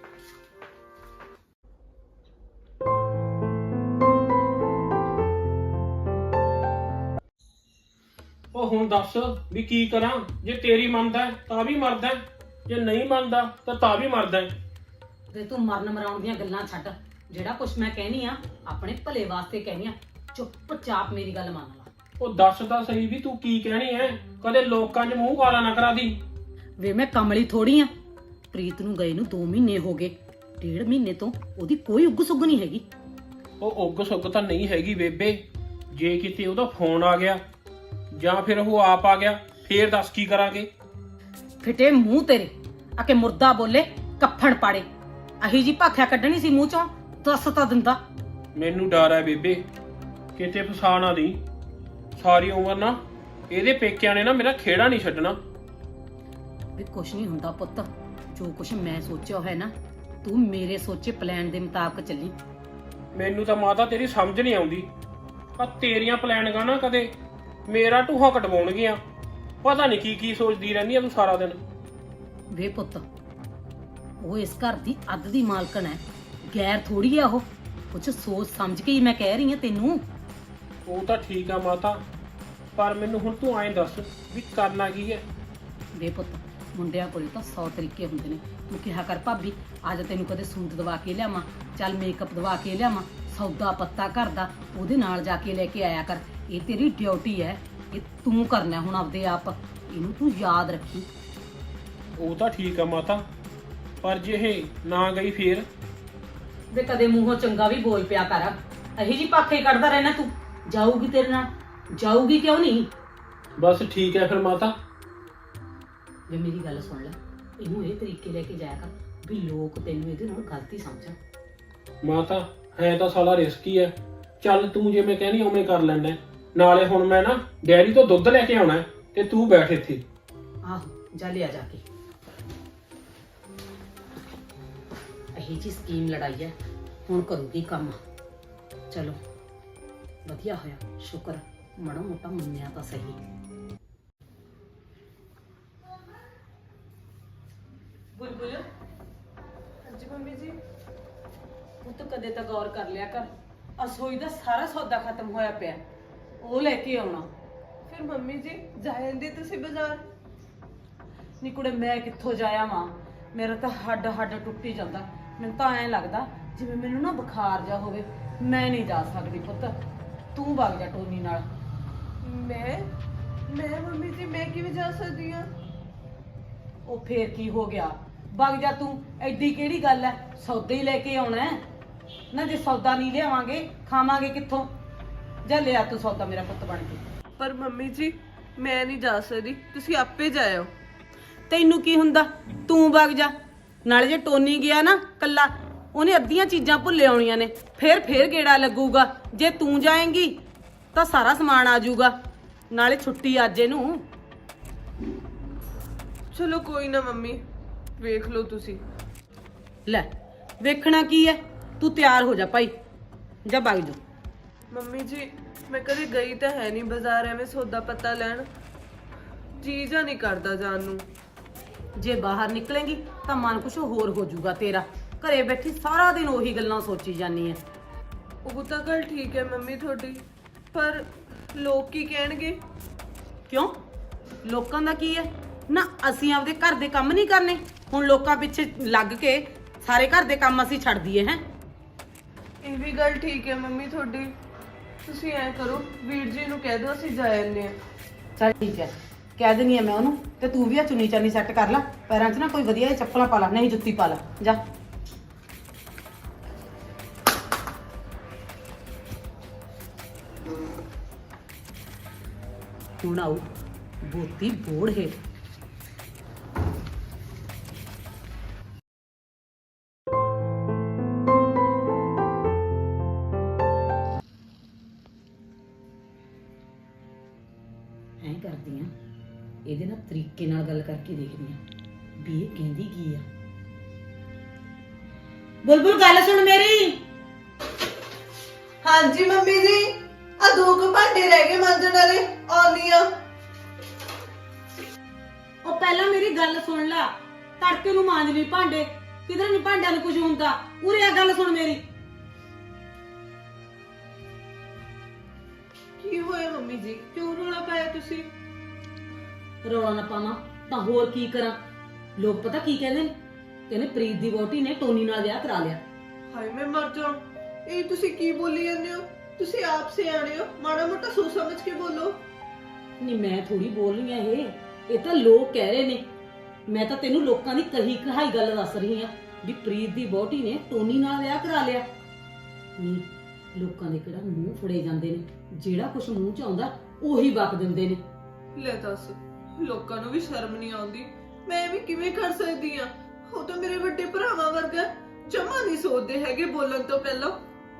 S3: ਉਹ ਹੁਣ ਦੱਸ ਵੀ ਕੀ ਕਰਾਂ? ਜੇ ਤੇਰੀ ਮੰਨਦਾ ਹੈ, ਤਾਂ ਵੀ ਮਰਦਾ ਹੈ, ਜੇ ਨਹੀਂ ਮੰਨਦਾ ਤਾਂ ਤਾਂ ਵੀ ਮਰਦਾ ਹੈ।
S1: ਤੇ ਤੂੰ ਮਰਨ ਮਰਾਉਣ ਦੀਆਂ ਗੱਲਾਂ ਛੱਡ, ਜਿਹੜਾ ਕੁਛ ਮੈਂ ਕਹਿਨੀ ਆ ਆਪਣੇ ਭਲੇ ਵਾਸਤੇ ਕਹਿਨੀ ਆ। ਚੁੱਪਚਾਪ ਮੇਰੀ ਗੱਲ ਮੰਨ ਲਾ।
S3: ਉਹ ਦੱਸ ਤਾਂ ਸਹੀ ਵੀ ਤੂੰ ਕੀ ਕਹਿਣੀ ਐ? ਕਦੇ ਲੋਕਾਂ 'ਚ ਮੂੰਹ ਕਾਲਾ ਨਾ ਕਰਾ ਦੀ।
S1: ਵੇ ਮੈਂ ਕਮਲੀ ਥੋੜੀ ਆ। ਪ੍ਰੀਤ ਨੂੰ ਗਏ ਨੂੰ ਦੋ ਮਹੀਨੇ ਹੋ ਗਏ, ਡੇਢ ਮਹੀਨੇ ਤੋਂ ਉਹਦੀ ਕੋਈ ਉੱਗ ਸੁੱਗ ਨਹੀਂ ਹੈਗੀ।
S3: ਉਹ ਉੱਗ ਸੁੱਗ ਤਾਂ ਨਹੀਂ ਹੈਗੀ ਬੇਬੇ, ਜੇ ਕਿਤੇ ਉਹਦਾ ਫੋਨ ਆ ਗਿਆ ਜਾਂ ਫਿਰ ਉਹ ਆਪ ਆ ਗਿਆ ਫੇਰ ਦੱਸ ਕੀ ਕਰਾਂਗੇ?
S1: ਫਿੱਟੇ ਮੂੰਹ ਤੇਰੇ, ਆ ਕੇ ਮੁਰਦਾ ਬੋਲੇ ਕੱਫਣ ਪਾੜੇ। ਅਹੀ ਜੀ ਭਾਖਿਆ ਕੱਢਣੀ ਸੀ ਮੂੰਹ ਚੋਂ, ਦੱਸ ਤਾਂ ਦਿੰਦਾ।
S3: ਮੈਨੂੰ ਡਰ ਹੈ ਬੇਬੇ, ਕਿਤੇ ਫਸਾ ਨਾ ਦੀ। ਸਾਰੀ ਉਮਰ ਨਾ ਇਹਦੇ ਪੇਕਿਆਂ ਨੇ ਨਾ ਮੇਰਾ ਖੇੜਾ ਨਹੀਂ ਛੱਡਣਾ।
S1: ਵੀ ਕੁਛ ਨਹੀਂ ਹੁੰਦਾ ਪੁੱਤ, ਜੋ ਕੁਛ ਮੈਂ ਸੋਚਿਆ ਹੋਇਆ ਨਾ, ਤੂੰ ਮੇਰੇ ਸੋਚੇ ਪਲਾਨ ਦੇ ਮੁਤਾਬਕ ਚੱਲੀ।
S3: ਮੈਨੂੰ ਤਾਂ ਮਾਤਾ ਤੇਰੀ ਸਮਝ ਨਹੀਂ ਆਉਂਦੀ। ਆ ਤੇਰੀਆਂ ਪਲਾਨਿੰਗਾਂ ਨਾ ਕਦੇ ਮੇਰਾ ਢੂਹਾ ਕਟਵਾਉਣਗੀਆਂ। ਪਤਾ ਨਹੀਂ ਕੀ ਕੀ ਸੋਚਦੀ ਰਹਿੰਦੀ ਆ ਤੂੰ ਸਾਰਾ ਦਿਨ।
S1: ਵੇ ਪੁੱਤ, ਉਹ ਇਸ ਘਰ ਦੀ ਅੱਧ ਦੀ ਮਾਲਕਣ ਹੈ, ਗੈਰ ਥੋੜੀ ਆ ਉਹ। ਕੁਛ ਸੋਚ ਸਮਝ ਕੇ ਹੀ ਮੈਂ ਕਹਿ ਰਹੀ ਹਾਂ ਤੈਨੂੰ।
S3: ਉਹ ਤਾਂ ਠੀਕ ਆ ਮਾਤਾ, ਪਰ ਮੈਨੂੰ ਹੁਣ ਤੂੰ ਐਂ ਦੱਸ ਵੀ ਕਰਨਾ ਕੀ ਹੈ?
S1: ਵੇ ਪੁੱਤ, ਮੁੰਡਿਆਂ ਕੋਲੇ ਤਾਂ ਸੌ ਤਰੀਕੇ ਹੁੰਦੇ ਨੇ। ਤੂੰ ਕਿਹਾ ਕਰ ਭਾਬੀ ਅੱਜ ਤੈਨੂੰ ਕਦੇ ਸੂਟ ਦਵਾ ਕੇ ਲਿਆਵਾਂ, ਚੱਲ ਮੇਕਅਪ ਦਵਾ ਕੇ ਲਿਆਵਾਂ, ਸੌਦਾ ਪੱਤਾ ਘਰ ਦਾ ਉਹਦੇ ਨਾਲ ਜਾ ਕੇ ਲੈ ਕੇ ਆਇਆ ਕਰ। ਇਹ ਤੇਰੀ ਡਿਊਟੀ ਹੈ, ਇਹ ਤੂੰ ਕਰਨਾ ਹੁਣ ਆਪਦੇ ਆਪ। ਇਹਨੂੰ ਤੂੰ ਯਾਦ ਰੱਖੀ।
S3: ਉਹ ਤਾਂ ਠੀਕ ਆ ਮਾਤਾ, ਪਰ ਜੇ ਇਹ ਨਾ ਗਈ ਫੇਰ?
S1: ਵੇ ਕਦੇ ਮੂੰਹੋਂ ਚੰਗਾ ਵੀ ਬੋਲ ਪਿਆ ਕਰ। ਅਹੀ ਜੀ ਪਾਖੇ ਕੱਢਦਾ ਰਹਿਣਾ ਤੂੰ। ਜਾਊਗੀ ਤੇਰੇ ਨਾਲ, ਜਾਊਗੀ ਕਿਉਂ ਨਹੀਂ?
S3: ਬਸ ਠੀਕ ਹੈ ਫਿਰ ਮਾਤਾ।
S1: ਵੇ ਮੇਰੀ ਗੱਲ ਸੁਣ ਲੈ, ਇਹਨੂੰ ਇਹ ਤਰੀਕੇ ਲੈ ਕੇ ਜਾਇਆ ਕਰ ਵੀ ਲੋਕ ਤੈਨੂੰ ਇਹਦੇ ਨਾਲ ਗਲਤੀ ਸਮਝਣ।
S3: ਮਾਤਾ ਹੈ ਤਾਂ ਸਾਲਾ ਰਿਸਕੀ ਹੈ। ਚੱਲ ਤੂੰ ਜਿਵੇਂ ਕਹਿਣੀ ਉਵੇਂ ਕਰ ਲੈਣਾ। ਨਾਲੇ ਹੁਣ ਮੈਂ ਨਾ ਡੈਰੀ ਤੋਂ ਦੁੱਧ ਲੈ ਕੇ ਆਉਣਾ ਤੇ ਤੂੰ ਬੈਠ ਇੱਥੇ।
S1: ਆਹੋ ਜਾ ਲਿਆ ਜਾ ਕੇ। ਅਹੀ ਜੀ ਸਕੀਮ ਲੜਾਈ ਹੈ, ਹੁਣ ਕਰੂਗੀ ਕੰਮ। ਚਲੋ ਵਧੀਆ ਹੋਇਆ, ਸ਼ੁਕਰ ਮਾੜਾ ਮੋਟਾ ਮੰਨਿਆ ਤਾਂ ਸਹੀ।
S2: ਬੁਲਬੁਲ। ਹਾਂਜੀ ਮੰਮੀ ਜੀ।
S1: ਉਹ ਤਾਂ ਕਦੇ ਤਾਂ ਗੌਰ ਕਰ ਲਿਆ ਕਰ, ਅਸੋਈ ਦਾ ਸਾਰਾ ਸੌਦਾ ਖਤਮ ਹੋਇਆ ਪਿਆ, ਉਹ ਲੈ ਕੇ ਆਉਣਾ।
S2: ਫਿਰ ਮੰਮੀ ਜੀ ਜਾਇਂਦੇ ਤੁਸੀਂ ਬਾਜ਼ਾਰ?
S1: ਨੀ ਕੁੜੇ ਮੈਂ ਕਿੱਥੋਂ ਜਾਇਆ ਵਾਂ, ਮੇਰਾ ਤਾਂ ਹੱਡ ਹੱਡ ਟੁੱਟੀ ਜਾਂਦਾ। ਮੈਨੂੰ ਤਾਂ ਐਂ ਲੱਗਦਾ ਜਿਵੇਂ ਮੈਨੂੰ ਨਾ ਬੁਖਾਰ ਜਾ ਹੋਵੇ। ਮੈਂ ਨਹੀਂ ਜਾ ਸਕਦੀ ਪੁੱਤ, ਤੂੰ ਵਗ ਜਾ ਟੋਨੀ ਨਾਲ।
S2: ਮੈਂ ਮੈਂ ਮੰਮੀ ਜੀ ਮੈਂ ਕਿਵੇਂ ਜਾ ਸਕਦੀ ਹਾਂ?
S1: ਉਹ ਫੇਰ ਕੀ ਹੋ ਗਿਆ, ਵਗ ਜਾ ਤੂੰ। ਐਡੀ ਕਿਹੜੀ ਗੱਲ ਐ, ਸੌਦਾ ਹੀ ਲੈ ਕੇ ਆਉਣਾ ਹੈ ਨਾ। ਜੇ ਸੌਦਾ ਨਹੀਂ ਲਿਆਵਾਂਗੇ ਖਾਵਾਂਗੇ ਕਿੱਥੋਂ? ਜਾ ਲਿਆ ਤੂੰ ਸੌਦਾ ਮੇਰਾ ਪੁੱਤ ਬਣ ਕੇ।
S2: ਪਰ ਮੰਮੀ ਜੀ ਮੈਂ ਨਹੀਂ ਜਾ ਸਕਦੀ, ਤੁਸੀਂ ਆਪੇ ਜਾਇਓ।
S1: ਤੈਨੂੰ ਕੀ ਹੁੰਦਾ, ਤੂੰ ਵਗ ਜਾ। ਨਾਲੇ ਜੇ ਟੋਨੀ ਗਿਆ ਨਾ ਕੱਲਾ, ਉਹਨੇ ਅੱਧੀਆਂ ਚੀਜ਼ਾਂ ਭੁੱਲੇ ਆਉਣੀਆਂ ਨੇ, ਫੇਰ ਫੇਰ ਗੇੜਾ ਲੱਗੂਗਾ। ਜੇ ਤੂੰ ਜਾਏਂਗੀ ਤਾਂ ਸਾਰਾ ਸਮਾਨ ਆ ਜਾਊਗਾ। ਨਾਲੇ ਛੁੱਟੀ ਅੱਜ ਇਹਨੂੰ।
S2: ਚਲੋ ਕੋਈ ਨਾ ਮੰਮੀ, ਵੇਖ ਲਓ ਤੁਸੀਂ।
S1: ਲੈ ਵੇਖਣਾ ਕੀ ਹੈ, ਤੂੰ ਤਿਆਰ ਹੋ ਜਾ ਭਾਈ, ਜਾ ਵਗ ਜਾ।
S2: ਮੰਮੀ ਜੀ ਮੈਂ ਕਦੇ ਗਈ ਤਾਂ ਹੈ ਨਹੀਂ ਬਾਜ਼ਾਰ ਐਵੇਂ ਸੌਦਾ ਪੱਤਾ ਲੈਣ, ਜੀ ਜਾ ਨਹੀਂ ਕਰਦਾ ਜਾਣ ਨੂੰ।
S1: ਜੇ ਬਾਹਰ ਨਿਕਲੇਂਗੀ ਤਾਂ ਮਨ ਕੁਛ ਹੋਰ ਹੋ ਜਾਊਗਾ ਤੇਰਾ। ਘਰੇ ਬੈਠੀ ਸਾਰਾ ਦਿਨ ਉਹੀ ਗੱਲਾਂ ਸੋਚੀ ਜਾਨੀ ਐ।
S2: ਉਹ ਤਾਂ ਗੱਲ ਠੀਕ ਹੈ ਮੰਮੀ ਤੁਹਾਡੀ, ਪਰ ਲੋਕ ਕੀ ਕਹਿਣਗੇ?
S1: ਕਿਉਂ? ਲੋਕਾਂ ਦਾ ਕੀ ਹੈ ਨਾ, ਅਸੀਂ ਆਪਦੇ ਘਰ ਦੇ ਕੰਮ ਨਹੀਂ ਕਰਨੇ? ਹੁਣ ਲੋਕਾਂ ਪਿੱਛੇ ਲੱਗ ਕੇ ਸਾਰੇ ਘਰ ਦੇ ਕੰਮ ਅਸੀਂ ਛੱਡ ਦਈਏ ਹੈ?
S2: ਇਹ ਵੀ ਗੱਲ ਠੀਕ ਹੈ ਮੰਮੀ ਤੁਹਾਡੀ। ਤੁਸੀਂ ਐ ਕਰੋ, ਵੀਰ ਜੀ ਨੂੰ ਕਹਿ ਦਿਓ ਅਸੀਂ ਜਾ ਆਉਂਦੇ ਆ।
S1: ਚੱਲ ਠੀਕ ਹੈ, ਕਹਿ ਦਿੰਦੀ ਆ ਮੈਂ ਉਹਨੂੰ। ਤੇ ਤੂੰ ਵੀ ਆ ਚੁੰਨੀ ਚਾਨੀ ਸੈੱਟ ਕਰ ਲੈ, ਪੈਰਾਂ 'ਚ ਨਾ ਕੋਈ ਵਧੀਆ ਜਿਹੀ ਚੱਪਲਾਂ ਪਾ ਲੈ, ਨਹੀਂ ਜੁੱਤੀ ਪਾ ਲੈ, ਜਾ। ਹੁਣ ਆਊ ਬੋਤੀ ਬੋੜ ਹੇਠ। ਐਂ ਕਰਦੀ ਆ, ਇਹਦੇ ਨਾਲ ਤਰੀਕੇ ਨਾਲ ਗੱਲ ਕਰਕੇ ਦੇਖਦੀ ਆ ਵੀ ਇਹ ਕਹਿੰਦੀ ਕੀ ਆ। ਬੁਲਬੁਲ ਗੱਲ ਸੁਣ ਮੇਰੀ।
S2: ਹਾਂਜੀ ਮੰਮੀ ਜੀ, ਆ ਦੋ ਕੁ ਭਾਂਡੇ ਰਹਿ ਗਏ ਮਾਂਜਣ ਵਾਲੇ, ਆਉਣੀ ਆ।
S1: ਉਹ ਪਹਿਲਾਂ ਮੇਰੀ ਗੱਲ ਸੁਣ ਲਾ। ਤੜਕੇ ਨੂੰ ਮਾਂਜ ਲਈ ਭਾਂਡੇ, ਕਿਧਰ ਨਹੀਂ ਭਾਂਡਿਆਂ ਨੂੰ ਕੁਝ ਹੁੰਦਾ। ਉਰੇ ਆ ਗੱਲ ਸੁਣ ਮੇਰੀ।
S2: ਕੀ ਹੋਇਆ ਮੰਮੀ ਜੀ, ਕਿਉਂ ਰੋਣਾ ਪਾਇਆ ਤੁਸੀਂ?
S1: ਰੌਲਾ ਨਾ ਪਾਵਾਂ ਤਾਂ ਹੋਰ ਕੀ ਕਰਾਂ। ਲੋਕ ਪਤਾ ਕੀ ਕਹਿੰਦੇ ਨੇ, ਕਹਿੰਦੇ ਪ੍ਰੀਤ ਦੀ ਵਹੁਟੀ ਨੇ ਟੋਨੀ ਨਾਲ ਵਿਆਹ ਕਰਾ ਲਿਆ।
S2: ਹਾਏ ਮੈਂ ਮਰ ਜਾ, ਇਹ ਤੁਸੀਂ ਕੀ ਬੋਲੀ ਜਾਂਦੇ ਹੋ? ਤੁਸੀਂ ਆਪ ਸਿਆਣੇ ਹੋ, ਮਾੜਾ ਮੋਟਾ ਸੋਚ ਸਮਝ ਕੇ ਬੋਲੋ।
S1: ਨਹੀਂ ਮੈਂ ਥੋੜੀ ਬੋਲ ਰਹੀ ਆ, ਇਹ ਇਹ ਤਾਂ ਲੋਕ ਕਹਿ ਰਹੇ ਨੇ। ਮੈਂ ਤਾਂ ਤੈਨੂੰ ਲੋਕਾਂ ਦੀ ਕਹੀ ਕਹਾਈ ਗੱਲ ਦੱਸ ਰਹੀ ਆ ਵੀ ਪ੍ਰੀਤ ਦੀ ਵਹੁਟੀ ਨੇ ਟੋਨੀ ਨਾਲ ਵਿਆਹ ਕਰਾ ਲਿਆ। ਨਹੀਂ ਲੋਕਾਂ ਦੇ ਕਿਹੜਾ ਮੂੰਹ ਫੜੇ ਜਾਂਦੇ ਨੇ, ਜਿਹੜਾ ਕੁਝ ਮੂੰਹ ਚ ਆਉਂਦਾ ਉਹੀ ਵਕ ਦਿੰਦੇ ਨੇ।
S2: ਲੈ ਦੱਸ, ਲੋਕਾਂ ਨੂੰ ਵੀ ਸ਼ਰਮ ਨਹੀਂ ਆਉਂਦੀ? ਮੈਂ ਵੀ ਕਿਵੇਂ ਕਰ ਸਕਦੀ ਆ? ਉਹ ਤਾਂ ਮੇਰੇ ਵੱਡੇ ਭਰਾਵਾਂ ਵਰਗਾ, ਜਮਾ ਨਹੀਂ ਸੋਚਦੇ ਹੈਗੇ ਬੋਲਣ ਤੋਂ ਪਹਿਲਾਂ।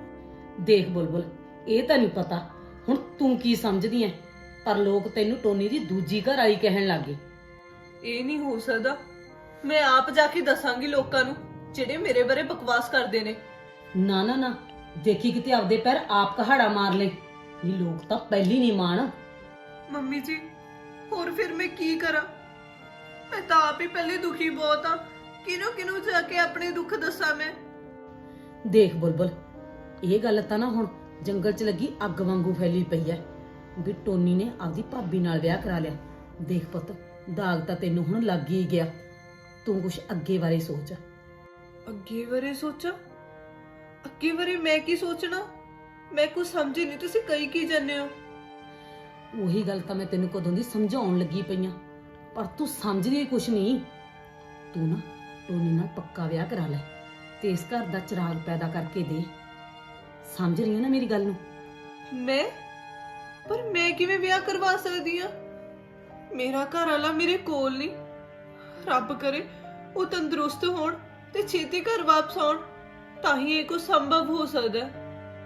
S1: ਦੇਖ ਬੁਲਬੁਲ, ਇਹ ਤਾਂ ਨਹੀਂ ਪਤਾ ਹੁਣ ਤੂੰ ਕੀ ਸਮਝਦੀ ਐ, ਪਰ ਲੋਕ ਤੈਨੂੰ ਟੋਨੀ ਦੀ ਦੂਜੀ ਘਰ ਆਈ ਕਹਿਣ ਲੱਗੇ।
S2: ਇਹ ਨਹੀਂ ਹੋ ਸਕਦਾ। ਮੈਂ ਆਪ ਜਾ ਕੇ ਦੱਸਾਂਗੀ ਲੋਕਾਂ ਨੂੰ ਜਿਹੜੇ ਮੇਰੇ ਬਾਰੇ ਬਕਵਾਸ ਕਰਦੇ ਨੇ।
S1: ਨਾ ਨਾ ਨਾ, ਦੇਖੀ ਕਿਤੇ ਆਪਦੇ ਪੈਰ ਆਪ ਕਹਾੜਾ ਮਾਰ ਲੈ। ਇਹ ਲੋਕ ਤਾਂ ਪਹਿਲੀ ਨਹੀਂ ਮਾਣ।
S2: ਮੰਮੀ ਜੀ, ਹੋਰ ਫਿਰ ਮੈਂ ਕੀ ਕਰਾਂ? ਮੈਂ ਤਾਂ ਆਪ ਹੀ ਪਹਿਲੇ ਦੁਖੀ ਬਹੁਤ ਆ। ਕਿਹਨੂੰ ਕਿਹਨੂੰ ਜਾ ਕੇ ਆਪਣੇ ਦੁੱਖ ਦੱਸਾਂ ਮੈਂ?
S1: ਦੇਖ ਬੁਲਬੁਲ, ਇਹ ਗੱਲ ਤਾਂ ਨਾ ਹੁਣ ਜੰਗਲ 'ਚ ਲੱਗੀ ਅੱਗ ਵਾਂਗੂ ਫੈਲੀ ਪਈ ਐ ਵੀ ਟੋਨੀ ਨੇ ਆਪਦੀ ਭਾਬੀ ਨਾਲ ਵਿਆਹ ਕਰਾ ਲਿਆ। ਦੇਖ ਪੁੱਤ, ਦਾਗ ਤਾਂ ਤੈਨੂੰ ਹੁਣ ਲੱਗ ਹੀ ਗਿਆ। ਤੂੰ ਕੁਛ ਅੱਗੇ ਬਾਰੇ ਸੋਚ।
S2: ਅੱਗੇ ਬਾਰੇ ਸੋਚਾਂ? ਅੱਗੇ ਬਾਰੇ ਮੈਂ ਕੀ ਸੋਚਣਾ? ਮੈਂ ਕੁਝ ਸਮਝੀ ਨਹੀਂ, ਤੁਸੀਂ ਕਹੀ ਕੀ ਜਾਂਦੇ ਹੋ?
S1: ਉਹੀ ਗੱਲ ਤਾਂ ਮੈਂ ਤੈਨੂੰ ਕਦੋਂ ਦੀ ਸਮਝਾਉਣ ਲੱਗੀ ਪਈਆਂ, ਪਰ ਤੂੰ ਸਮਝਦੀ ਕੁਛ ਨਹੀਂ। ਤੂੰ ਨਾ ਟੋਨੀ ਨਾਲ ਪੱਕਾ ਵਿਆਹ ਕਰਾ ਲੈ ਤੇ ਇਸ ਘਰ ਦਾ ਚਿਰਾਗ ਪੈਦਾ ਕਰਕੇ ਦੇ। ਸਮਝ ਰਹੀ ਹੈ ਨਾ ਮੇਰੀ ਗੱਲ ਨੂੰ?
S2: ਮੈਂ? ਪਰ ਮੈਂ ਕਿਵੇਂ ਵਿਆਹ ਕਰਵਾ ਸਕਦੀ ਆ? ਮੇਰਾ ਘਰ ਵਾਲਾ ਮੇਰੇ ਕੋਲ ਨਹੀਂ। ਰੱਬ ਕਰੇ ਉਹ ਤੰਦਰੁਸਤ ਹੋਣ ਤੇ ਛੇਤੀ ਘਰ ਵਾਪਸ ਆਉਣ, ਤਾਂ ਹੀ ਇਹ ਕੁਝ ਸੰਭਵ ਹੋ ਸਕਦਾ ਹੈ।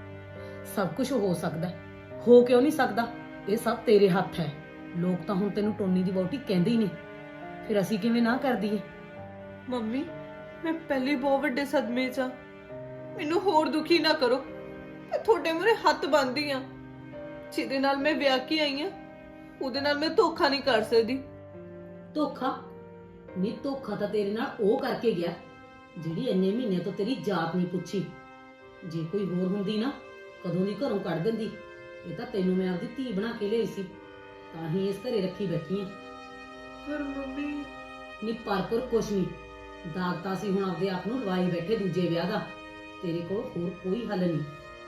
S1: ਸਭ ਕੁਝ ਹੋ ਸਕਦਾ, ਹੋ ਕਿਉਂ ਨਹੀਂ ਸਕਦਾ? ਇਹ ਸਭ ਤੇਰੇ ਹੱਥ ਹੈ। ਲੋਕ ਤਾਂ ਹੁਣ ਤੈਨੂੰ ਟੋਨੀ ਦੀ ਵਹੁਟੀ ਕਹਿੰਦੇ ਹੀ ਨੇ, ਫਿਰ ਅਸੀਂ ਕਿਵੇਂ ਨਾ ਕਰ ਦਈਏ?
S2: ਮੰਮੀ, ਮੈਂ ਪਹਿਲੇ ਬਹੁਤ ਵੱਡੇ ਸਦਮੇ 'ਚ ਆ। ਮੈਨੂੰ ਹੋਰ ਦੁਖੀ ਨਾ ਕਰੋ। ਮੈਂ ਤੁਹਾਡੇ ਮੂਹਰੇ ਹੱਥ ਬੰਨ੍ਹਦੀ ਆ। ਜਿਹਦੇ ਨਾਲ ਮੈਂ ਵਿਆਹ ਕੇ ਆਈ ਆ, ਉਹਦੇ ਨਾਲ ਮੈਂ ਧੋਖਾ ਨਹੀਂ ਕਰ ਸਕਦੀ।
S1: ਧੋਖਾ? ਨਹੀਂ, ਧੋਖਾ ਤਾਂ ਤੇਰੇ ਨਾਲ ਉਹ ਕਰਕੇ ਗਿਆ ਜਿਹੜੀ ਇੰਨੇ ਮਹੀਨੇ ਤੋਂ ਤੇਰੀ ਜਾਤ ਨਹੀਂ ਪੁੱਛੀ। ਜੇ ਕੋਈ ਹੋਰ ਹੁੰਦੀ ਨਾ, ਕਦੋਂ ਦੀ ਘਰੋਂ ਕੱਢ ਦਿੰਦੀ। ਇਹ ਤਾਂ ਤੈਨੂੰ ਮੈਂ ਆਪਦੀ ਧੀ ਬਣਾ ਕੇ ਲਿਆਈ ਸੀ, ਤਾਂ ਹੀ ਇਸ ਘਰੇ ਰੱਖੀ ਬੈਠੀ ਆ।
S2: ਪਰ ਮੰਮੀ,
S1: ਨਹੀਂ ਪਰ ਪਰ ਕੁਛ ਨਹੀਂ। ਦਾਗ ਤਾਂ ਅਸੀਂ ਹੁਣ ਆਪਦੇ ਆਪ ਨੂੰ ਲਵਾਈ ਬੈਠੇ ਦੂਜੇ ਵਿਆਹ ਦਾ। ਤੇਰੇ ਕੋਲ ਹੋਰ ਕੋਈ ਹੱਲ ਨਹੀਂ।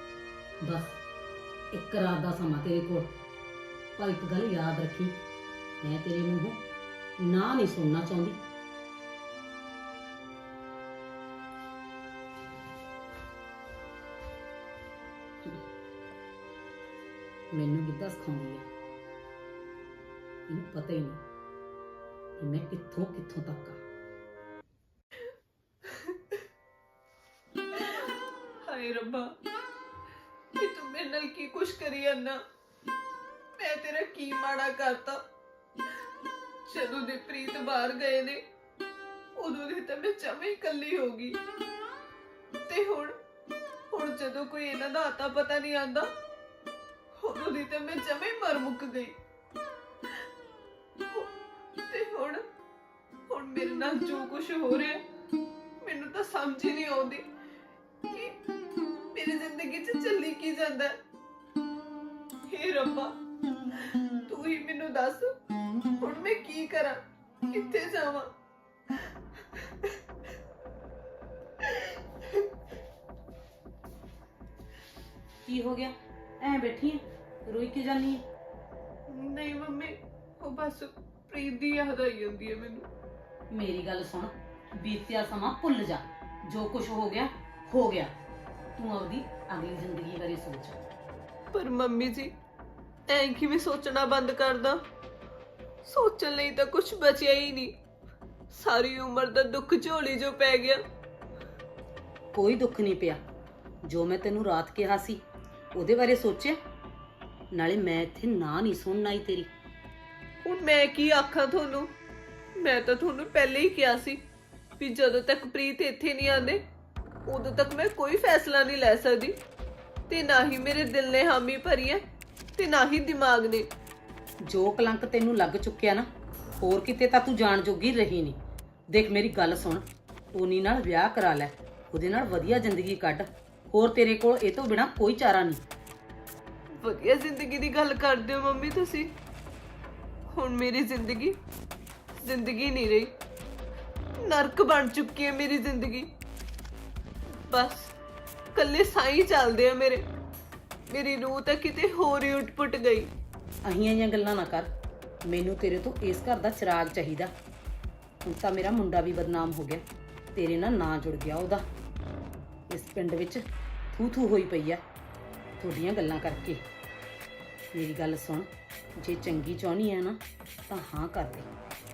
S1: ਬਸ ਇੱਕ ਰਾਤ ਦਾ ਸਮਾਂ ਤੇਰੇ ਕੋਲ। ਪਰ ਇੱਕ ਗੱਲ ਯਾਦ ਰੱਖੀ, ਮੈਂ ਤੇਰੇ ਮੂੰਹੋਂ ਨਾ ਨਹੀਂ ਸੁਣਨਾ ਚਾਹੁੰਦੀ। ਮੈਨੂੰ ਗਿੱਧਾ ਸਿਖਾਉਂਦੀ ਹੈ, ਇਹਨੂੰ ਪਤਾ ਹੀ ਨਹੀਂ ਕਿ ਮੈਂ ਕਿੱਥੋਂ ਕਿੱਥੋਂ ਤੱਕ ਆ।
S2: ਹਾਏ ਰੱਬਾ, ਕਿ ਤੂੰ ਮੇਰੇ ਨਾਲ ਕੀ ਕੁਛ ਕਰੀ ਜਾਂਦਾ? ਮੈਂ ਤੇਰਾ ਕੀ ਮਾੜਾ ਕਰਤਾ? ਜਦੋਂ ਦੇ ਪ੍ਰੀਤ ਬਾਹਰ ਗਏ ਨੇ, ਉਦੋਂ ਦੀ ਤਾਂ ਮੈਂ ਜਮੇ ਹੀ ਇਕੱਲੀ ਹੋ ਗਈ। ਤੇ ਹੁਣ ਹੁਣ ਜਦੋਂ ਕੋਈ ਇਹਨਾਂ ਦਾ ਆਤਾ ਪਤਾ ਨਹੀਂ ਆਂਦਾ, ਉਦੋਂ ਦੀ ਤਾਂ ਮੈਂ ਜਮੇ ਹੀ ਮਰ ਮੁੱਕ ਗਈ। ਤੇ ਹੁਣ ਹੁਣ ਮੇਰੇ ਨਾਲ ਜੋ ਕੁਝ ਹੋ ਰਿਹਾ, ਮੈਨੂੰ ਤਾਂ ਸਮਝ ਹੀ ਨਹੀਂ ਆਉਂਦੀ ਕਿ ਮੇਰੀ ਜ਼ਿੰਦਗੀ 'ਚ ਚੱਲੀ ਕੀ ਜਾਂਦਾ ਹੈ। ਹੇ ਰੱਬਾ, ਤੂੰ ਹੀ ਮੈਨੂੰ ਦੱਸ, ਹੁਣ ਮੈਂ ਕੀ ਕਰਾਂ, ਕਿੱਥੇ ਜਾਵਾਂ?
S1: ਕੀ ਹੋ ਗਿਆ? ਐ ਬੈਠੀ ਐ, ਰੋਈ ਕੇ ਜਾਨੀ ਐ?
S2: ਨਹੀਂ ਮੰਮੀ, ਉਹ ਬਸ ਪ੍ਰੀਤ ਦੀ ਯਾਦ ਆਈ ਜਾਂਦੀ ਹੈ ਮੈਨੂੰ।
S1: ਮੇਰੀ ਗੱਲ ਸੁਣ, ਬੀਤਿਆ ਸਮਾਂ ਭੁੱਲ ਜਾ। ਜੋ ਕੁਝ ਹੋ ਗਿਆ ਹੋ ਗਿਆ। ਤੂੰ ਆਪਦੀ ਅਗਲੀ ਜ਼ਿੰਦਗੀ ਬਾਰੇ ਸੋਚ।
S2: ਪਰ ਮੰਮੀ ਜੀ, ਐਂ ਕਿਵੇਂ ਸੋਚਣਾ ਬੰਦ ਕਰਦਾ? ਸੋਚਣ ਲਈ ਤਾਂ ਕੁਝ ਬਚਿਆ ਹੀ ਨਹੀਂ। ਸਾਰੀ ਉਮਰ ਦਾ ਦੁੱਖ ਝੋਲੀ ਜੋ ਪੈ ਗਿਆ।
S1: ਕੋਈ ਦੁੱਖ ਨਹੀਂ ਪਿਆ। ਜੋ ਮੈਂ ਤੈਨੂੰ ਰਾਤ ਕਿਹਾ ਸੀ ਉਹਦੇ ਬਾਰੇ ਸੋਚਿਆ? ਨਾਲੇ ਮੈਂ ਇੱਥੇ ਨਾ ਨਹੀਂ ਸੁਣਨ ਆਈ ਤੇਰੀ।
S2: ਹੁਣ ਮੈਂ ਕੀ ਆਖਾਂ ਤੁਹਾਨੂੰ? ਮੈਂ ਤਾਂ ਤੁਹਾਨੂੰ ਪਹਿਲੇ ਹੀ ਕਿਹਾ ਸੀ ਵੀ ਜਦੋਂ ਤੱਕ ਪ੍ਰੀਤ ਇੱਥੇ ਨਹੀਂ ਆਉਂਦੇ, ਉਦੋਂ ਤੱਕ ਮੈਂ ਕੋਈ ਫੈਸਲਾ ਨਹੀਂ ਲੈ ਸਕਦੀ ਤੇ ਨਾ ਹੀ ਮੇਰੇ ਦਿਲ ਨੇ ਹਾਮੀ ਭਰੀ ਹੈ ਤੇ ਨਾ ਹੀ ਦਿਮਾਗ ਨੇ।
S1: ਜੋ ਕਲੰਕ ਤੈਨੂੰ ਲੱਗ ਚੁੱਕਿਆ ਨਾ, ਹੋਰ ਕਿਤੇ ਤਾਂ ਤੂੰ ਜਾਣ ਜੋਗੀ ਰਹੀ ਨਹੀਂ। ਦੇਖ ਮੇਰੀ ਗੱਲ ਸੁਣ, ਟੋਨੀ ਨਾਲ ਵਿਆਹ ਕਰਾ ਲੈ, ਉਹਦੇ ਨਾਲ ਵਧੀਆ ਜ਼ਿੰਦਗੀ ਕੱਢ। ਹੋਰ ਤੇਰੇ ਕੋਲ ਇਹ ਤੋਂ ਬਿਨਾ ਕੋਈ ਚਾਰਾ ਨਹੀਂ।
S2: ਵਧੀਆ ਜ਼ਿੰਦਗੀ ਦੀ ਗੱਲ ਕਰਦੇ ਹੋ ਮੰਮੀ ਤੁਸੀਂ। ਹੁਣ ਮੇਰੀ ਜ਼ਿੰਦਗੀ ਜ਼ਿੰਦਗੀ ਨਹੀਂ ਰਹੀ, ਨਰਕ ਬਣ ਚੁੱਕੀ ਹੈ ਮੇਰੀ ਜ਼ਿੰਦਗੀ। ਬਸ ਕੱਲੇ ਸਾਈ ਚੱਲਦੇ ਆ ਮੇਰੇ। ਮੇਰੀ ਰੂਹ ਤਾਂ ਕਿਤੇ ਹੋਰ ਹੀ ਉੱਟ-ਪੁੱਟ ਗਈ।
S1: ਅਹੀਆਂ ਜਿਹੀਆਂ ਗੱਲਾਂ ਨਾ ਕਰ। ਮੈਨੂੰ ਤੇਰੇ ਤੋਂ ਇਸ ਘਰ ਦਾ ਚਿਰਾਗ ਚਾਹੀਦਾ। ਹੁਣ ਤਾਂ ਮੇਰਾ ਮੁੰਡਾ ਵੀ ਬਦਨਾਮ ਹੋ ਗਿਆ, ਤੇਰੇ ਨਾਲ ਨਾਂ ਜੁੜ ਗਿਆ ਉਹਦਾ। ਇਸ ਪਿੰਡ ਵਿੱਚ ਥੂ ਥੂ ਹੋਈ ਪਈ ਆ ਤੁਹਾਡੀਆਂ ਗੱਲਾਂ ਕਰਕੇ। ਮੇਰੀ ਗੱਲ ਸੁਣ, ਜੇ ਚੰਗੀ ਚਾਹੁੰਦੀ ਆ ਨਾ ਤਾਂ ਹਾਂ ਕਰ ਦੇ।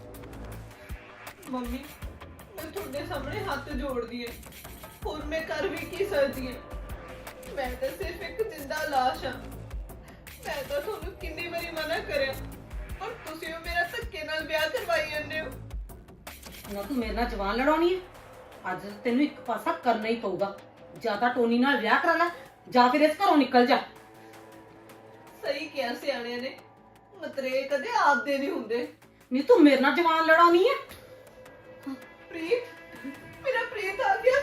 S2: ਮੰਮੀ ਮੈਂ ਤੁਹਾਡੇ ਸਾਹਮਣੇ ਹੱਥ ਜੋੜਦੀ ਹਾਂ, ਹੋਰ ਮੈਂ ਕਰ ਵੀ ਕੀ ਸਕਦੀ ਹਾਂ। ਮੈਂ ਤਾਂ ਸਿਰਫ ਇੱਕ ਜਿੰਦਾ ਲਾਸ਼ ਹਾਂ। ਮੈਂ ਤਾਂ ਤੁਹਾਨੂੰ ਕਿੰਨੀ ਵਾਰੀ ਮਨਾ ਕਰਿਆ, ਪਰ ਤੁਸੀਂ ਉਹ ਮੇਰਾ ਧੱਕੇ ਨਾਲ ਵਿਆਹ ਕਰਵਾਈ ਜਾਂਦੇ ਹੋ।
S1: ਨਾ ਤੂੰ ਮੇਰੇ ਨਾਲ ਜਵਾਨ ਲੜਾਉਣੀ ਹੈ। ਅੱਜ ਤੈਨੂੰ ਇੱਕ ਪਾਸਾ ਕਰਨਾ ਹੀ ਪਊਗਾ। ਜਾਂ ਤਾਂ ਟੋਨੀ ਨਾਲ ਵਿਆਹ ਕਰਾ ਲੈ ਜਾਂ ਫਿਰ ਇਸ ਘਰੋਂ ਨਿਕਲ ਜਾ।
S2: ਸਹੀ ਕਿਹਾ ਸਿਆਣਿਆਂ ਨੇ, ਮਤਰੇ ਕਦੇ ਆਪਦੇ ਨਹੀਂ ਹੁੰਦੇ।
S1: ਨਹੀਂ ਤੂੰ ਮੇਰੇ ਨਾਲ ਜਵਾਨ ਲੜਾਉਣੀ ਹੈ।
S2: ਪ੍ਰੀਤ, ਮੇਰਾ ਪ੍ਰੀਤ ਆ ਗਿਆ।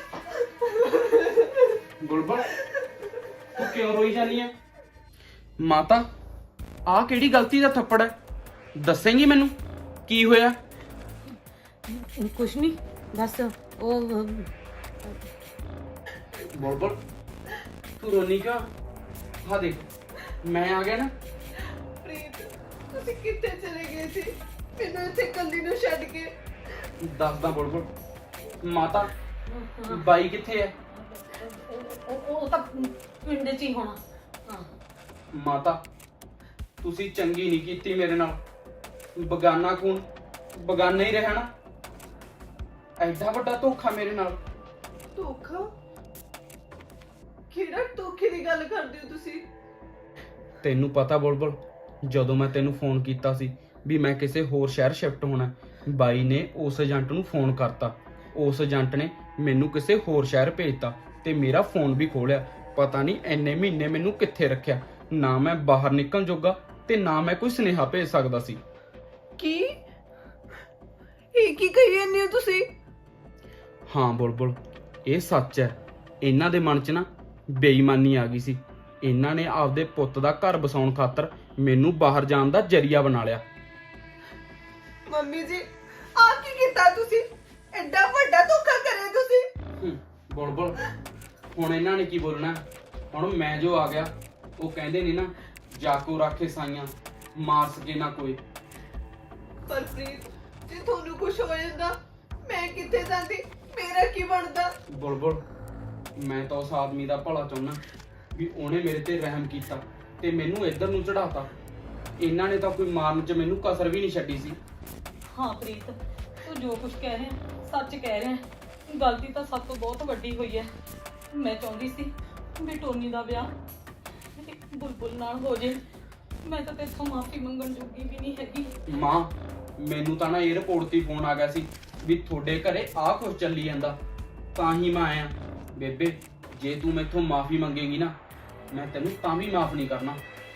S4: ਗੁਲਬਨ ਤੂੰ ਕਿਉਂ ਰੋਈ ਜਾਂਦੀ ਹੈ? ਮਾਤਾ ਆਹ ਕਿਹੜੀ ਗਲਤੀ ਦਾ ਥੱਪੜ ਹੈ? ਦੱਸੇਂਗੀ ਮੈਨੂੰ ਕੀ ਹੋਇਆ?
S1: ਕੁਛ ਨਹੀਂ, ਬਸ ਉਹ
S4: ਬੁਲਬੁਲ ਤੂੰ ਰੋਣੀ ਕਿਉਂ? ਹਾਂ ਦੇਖ ਮੈਂ ਆ ਗਿਆ ਨਾ।
S2: ਪ੍ਰੀਤ ਤੁਸੀਂ ਕਿੱਥੇ ਚਲੇ ਗਏ ਸੀ ਮੈਨੂੰ ਇੱਥੇ ਇਕੱਲੀ ਨੂੰ ਛੱਡ ਕੇ?
S4: ਦੱਸਦਾ ਬੁਲਬੁਲ। ਮਾਤਾ ਬਾਈ ਕਿੱਥੇ ਹੈ?
S1: ਉਹ ਉਹ ਤਾਂ ਪਿੰਡ 'ਚ ਹੀ ਹੋਣਾ। ਹਾਂ
S4: ਮਾਤਾ ਤੁਸੀਂ ਚੰਗੀ ਨਹੀਂ ਕੀਤੀ ਮੇਰੇ ਨਾਲ। ਬਗਾਨਾ ਖੂਨ ਬਗਾਨਾ ਹੀ ਰਹਿਣਾ। ਐਡਾ ਵੱਡਾ ਧੋਖਾ ਮੇਰੇ ਨਾਲ।
S2: ਧੋਖਾ? ਕਿਹੜਾ ਧੋਖੇ ਦੀ ਗੱਲ ਕਰਦੇ ਹੋ ਤੁਸੀਂ?
S4: ਤੈਨੂੰ ਪਤਾ ਬੁਲਬੁਲ, ਜਦੋਂ ਮੈਂ ਤੈਨੂੰ ਫੋਨ ਕੀਤਾ ਸੀ ਵੀ ਮੈਂ ਕਿਸੇ ਹੋਰ ਸ਼ਹਿਰ ਸ਼ਿਫਟ ਹੋਣਾ, ਬਾਈ ਨੇ ਉਸ ਏਜੰਟ ਨੂੰ ਫੋਨ ਕਰਤਾ। ਉਸ ਏਜੰਟ ਨੇ ਮੈਨੂੰ ਕਿਸੇ ਹੋਰ ਸ਼ਹਿਰ ਭੇਜਤਾ ਤੇ ਮੇਰਾ ਫੋਨ ਵੀ ਖੋਲਿਆ। ਪਤਾ ਨਹੀਂ ਇੰਨੇ ਮਹੀਨੇ ਮੈਨੂੰ ਕਿੱਥੇ ਰੱਖਿਆ। ਨਾ ਮੈਂ ਬਾਹਰ ਨਿਕਲਣ ਜੋਗਾ ਤੇ ਨਾ ਮੈਂ ਕੋਈ ਸੁਨੇਹਾ ਭੇਜ ਸਕਦਾ ਸੀ।
S2: ਕੀ ਇਹ ਕੀ ਕਹੀ ਜਾਂਦੇ ਹੋ ਤੁਸੀਂ?
S4: ਹਾਂ ਬੁਲਬੁਲ ਇਹ ਸੱਚ ਹੈ। ਇਹਨਾਂ ਦੇ ਮਨ 'ਚ ਨਾ ਬੇਈਮਾਨੀ ਆ ਗਈ ਸੀ। ਇਹਨਾਂ ਨੇ ਆਪਦੇ ਪੁੱਤ ਦਾ ਘਰ ਬਸਾਉਣ ਖਾਤਰ ਮੈਨੂੰ ਬਾਹਰ ਜਾਣ ਦਾ ਜ਼ਰੀਆ ਬਣਾ ਲਿਆ।
S2: ਮੰਮੀ ਜੀ ਆ ਕੀ ਕੀਤਾ ਤੁਸੀਂ? ਐਡਾ ਵੱਡਾ ਧੋਖਾ ਕਰਿਆ ਤੁਸੀਂ।
S4: ਹੂੰ, ਬੁਲਬੁਲ ਹੁਣ ਇਹਨਾਂ ਨੇ ਕੀ ਬੋਲਣਾ? ਹੁਣ ਮੈਂ ਜੋ ਆ ਗਿਆ, ਉਹ ਕਹਿੰਦੇ ਨੇ ਨਾ ਜਾਕੋ ਰਾਖੇ ਸਾਈਆਂ ਮਾਰ ਸਕੇ ਨਾ ਕੋਈ।
S2: ਪਰ ਪ੍ਰੀਤ ਜੇ ਤੁਹਾਨੂੰ ਕੁਝ ਹੋ ਜਾਂਦਾ ਮੈਂ ਕਿੱਥੇ ਜਾਂਦੀ? ਮੇਰਾ ਕੀ ਬਣਦਾ?
S4: ਬੁਲਬੁਲ ਮੈਂ ਤਾਂ ਉਸ ਆਦਮੀ ਦਾ ਭਲਾ ਚਾਹੁੰਦਾ ਵੀ ਉਹਨੇ ਮੇਰੇ ਤੇ ਰਹਿਮ ਕੀਤਾ ਤੇ ਮੈਨੂੰ ਇੱਧਰ ਨੂੰ ਚੜਾਤਾ। ਇਹਨਾਂ ਨੇ ਤਾਂ ਕੋਈ ਮਾਰਨ 'ਚ ਮੈਨੂੰ ਕਸਰ ਵੀ ਨਹੀਂ ਛੱਡੀ ਸੀ।
S1: ਹਾਂ ਪ੍ਰੀਤ, ਤੂੰ ਜੋ ਕੁਝ ਕਹਿ ਰਿਹਾ ਸੱਚ ਕਹਿ ਰਿਹਾ। ਗਲਤੀ ਤਾਂ ਸਭ ਤੋਂ ਬਹੁਤ ਵੱਡੀ ਹੋਈ ਹੈ। ਮੈਂ ਚਾਹੁੰਦੀ ਸੀ ਵੀ ਟੋਨੀ ਦਾ ਵਿਆਹ ਇੱਕ ਬੁਲਬੁਲ ਨਾਲ ਹੋ ਜੇ। ਮੈਂ ਤਾਂ ਤੇਥੋਂ ਮਾਫੀ ਮੰਗਣ ਜੋਗੀ ਵੀ ਨਹੀਂ ਹੈਗੀ।
S4: ਮਾਂ ਮੈਨੂੰ ਤਾਂ ਨਾ 에어ਪੋਰਟ ਤੇ ਫੋਨ ਆ ਗਿਆ ਸੀ ਵੀ ਤੁਹਾਡੇ ਘਰੇ ਆਹ ਕੁਝ ਚੱਲੀ ਜਾਂਦਾ, ਤਾਂ ਹੀ ਮੈਂ ਆਇਆ। ਬੇਬੇ ਜੇ ਤੂੰ ਮੈਥੋਂ ਮਾਫੀ ਮੰਗੇਗੀ ਨਾ ਮੈਂ ਤੈਨੂੰ ਤਾਂ ਵੀ ਮਾਫ ਨਹੀਂ ਕਰਨਾ।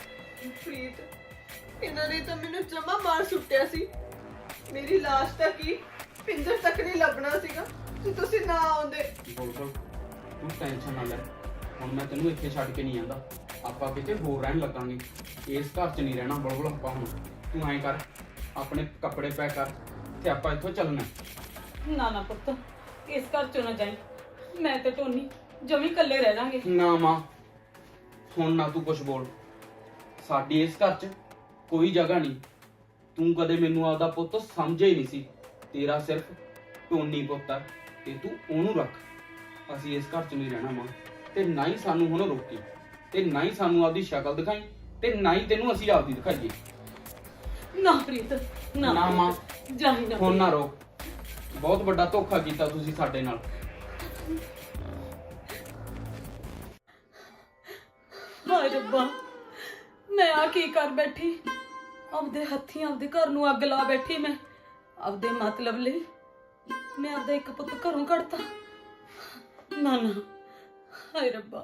S2: ਪ੍ਰੀਤ ਇਹਨਾਂ ਨੇ ਤਾਂ ਮੈਨੂੰ ਜਮਾ ਮਾਰ ਸੁੱਟਿਆ ਸੀ। ਮੇਰੀ ਲਾਸ਼ ਤਾਂ ਕੀ ਪਿੰਜਰ ਤੱਕ ਨਹੀਂ ਲੱਭਣਾ ਸੀਗਾ ਜੇ ਤੁਸੀਂ ਨਾ ਆਉਂਦੇ।
S4: ਬੁਲਬੁਲ ਤੂੰ ਟੈਨਸ਼ਨ ਨਾ ਲੈ, ਹੁਣ ਮੈਂ ਤੈਨੂੰ ਇੱਥੇ ਛੱਡ ਕੇ ਨਹੀਂ ਆਂਦਾ। ਆਪਾਂ ਕਿਤੇ ਹੋਰ ਰਹਿਣ ਲੱਗਾਂਗੇ, ਇਸ ਘਰ 'ਚ ਨਹੀਂ ਰਹਿਣਾ ਬੁਲਬੁਲ ਆਪਾਂ ਹੁਣ। ਤੂੰ ਐਂ ਕਰ ਆਪਣੇ ਕੱਪੜੇ ਪੈਕ ਕਰ ਤੇ ਆਪਾਂ ਇੱਥੋਂ ਚੱਲਣਾ।
S1: ਨਾ ਨਾ ਪੁੱਤ, ਇਸ ਘਰ ਚੋਂ ਨਾ ਜਾਈਂ। ਮੈਂ ਤੇ ਟੋਨੀ ਜਮੀ ਇਕੱਲੇ ਰਹਿ ਲਾਂਗੇ।
S4: ਨਾ ਮਾਂ ਹੁਣ ਨਾ ਤੂੰ ਕੁਛ ਬੋਲ। ਸਾਡੀ ਇਸ ਘਰ 'ਚ ਕੋਈ ਜਗ੍ਹਾ ਨਹੀਂ। ਤੂੰ ਕਦੇ ਮੈਨੂੰ ਆਪਦਾ ਪੁੱਤ ਸਮਝਿਆ ਹੀ ਨਹੀਂ ਸੀ। ਤੇਰਾ ਸਿਰਫ ਟੋਨੀ ਪੁੱਤ ਹੈ ਤੇ ਤੂੰ ਉਹਨੂੰ ਰੱਖ। ਅਸੀਂ ਇਸ ਘਰ 'ਚ ਨਹੀਂ ਰਹਿਣਾ ਮਾਂ, ਤੇ ਨਾ ਹੀ ਸਾਨੂੰ ਹੁਣ ਰੋਕੀ ਤੇ ਨਾ ਹੀ ਸਾਨੂੰ ਆਪਦੀ ਸ਼ਕਲ ਦਿਖਾਈ ਤੇ ਨਾ ਹੀ ਤੈਨੂੰ ਅਸੀਂ ਆਪਦੀ ਦਿਖਾਈਏ।
S1: ਨਾ ਪ੍ਰੀਤ ਨਾ
S4: ਨਾ ਮਾਂ
S1: ਜਾਈ ਨਾ।
S4: ਹੁਣ ਨਾ ਰੋਕ। ਬਹੁਤ ਵੱਡਾ ਧੋਖਾ ਕੀਤਾ ਤੁਸੀਂ ਸਾਡੇ ਨਾਲ।
S1: ਹਾਏ ਰੱਬਾ, ਮੈਂ ਆ ਕੀ ਕਰ ਬੈਠੀ? ਆਪਦੇ ਹੱਥੀਂ ਆਪਦੇ ਘਰ ਨੂੰ ਅੱਗ ਲਾ ਬੈਠੀ। ਮੈਂ ਆਪਦੇ ਮਤਲਬ ਲਈ ਮੈਂ ਆਪਦਾ ਇੱਕ ਪੁੱਤ ਘਰੋਂ ਕੱਢਤਾ। ਨਾ ਨਾ ਹਾਏ ਰੱਬਾ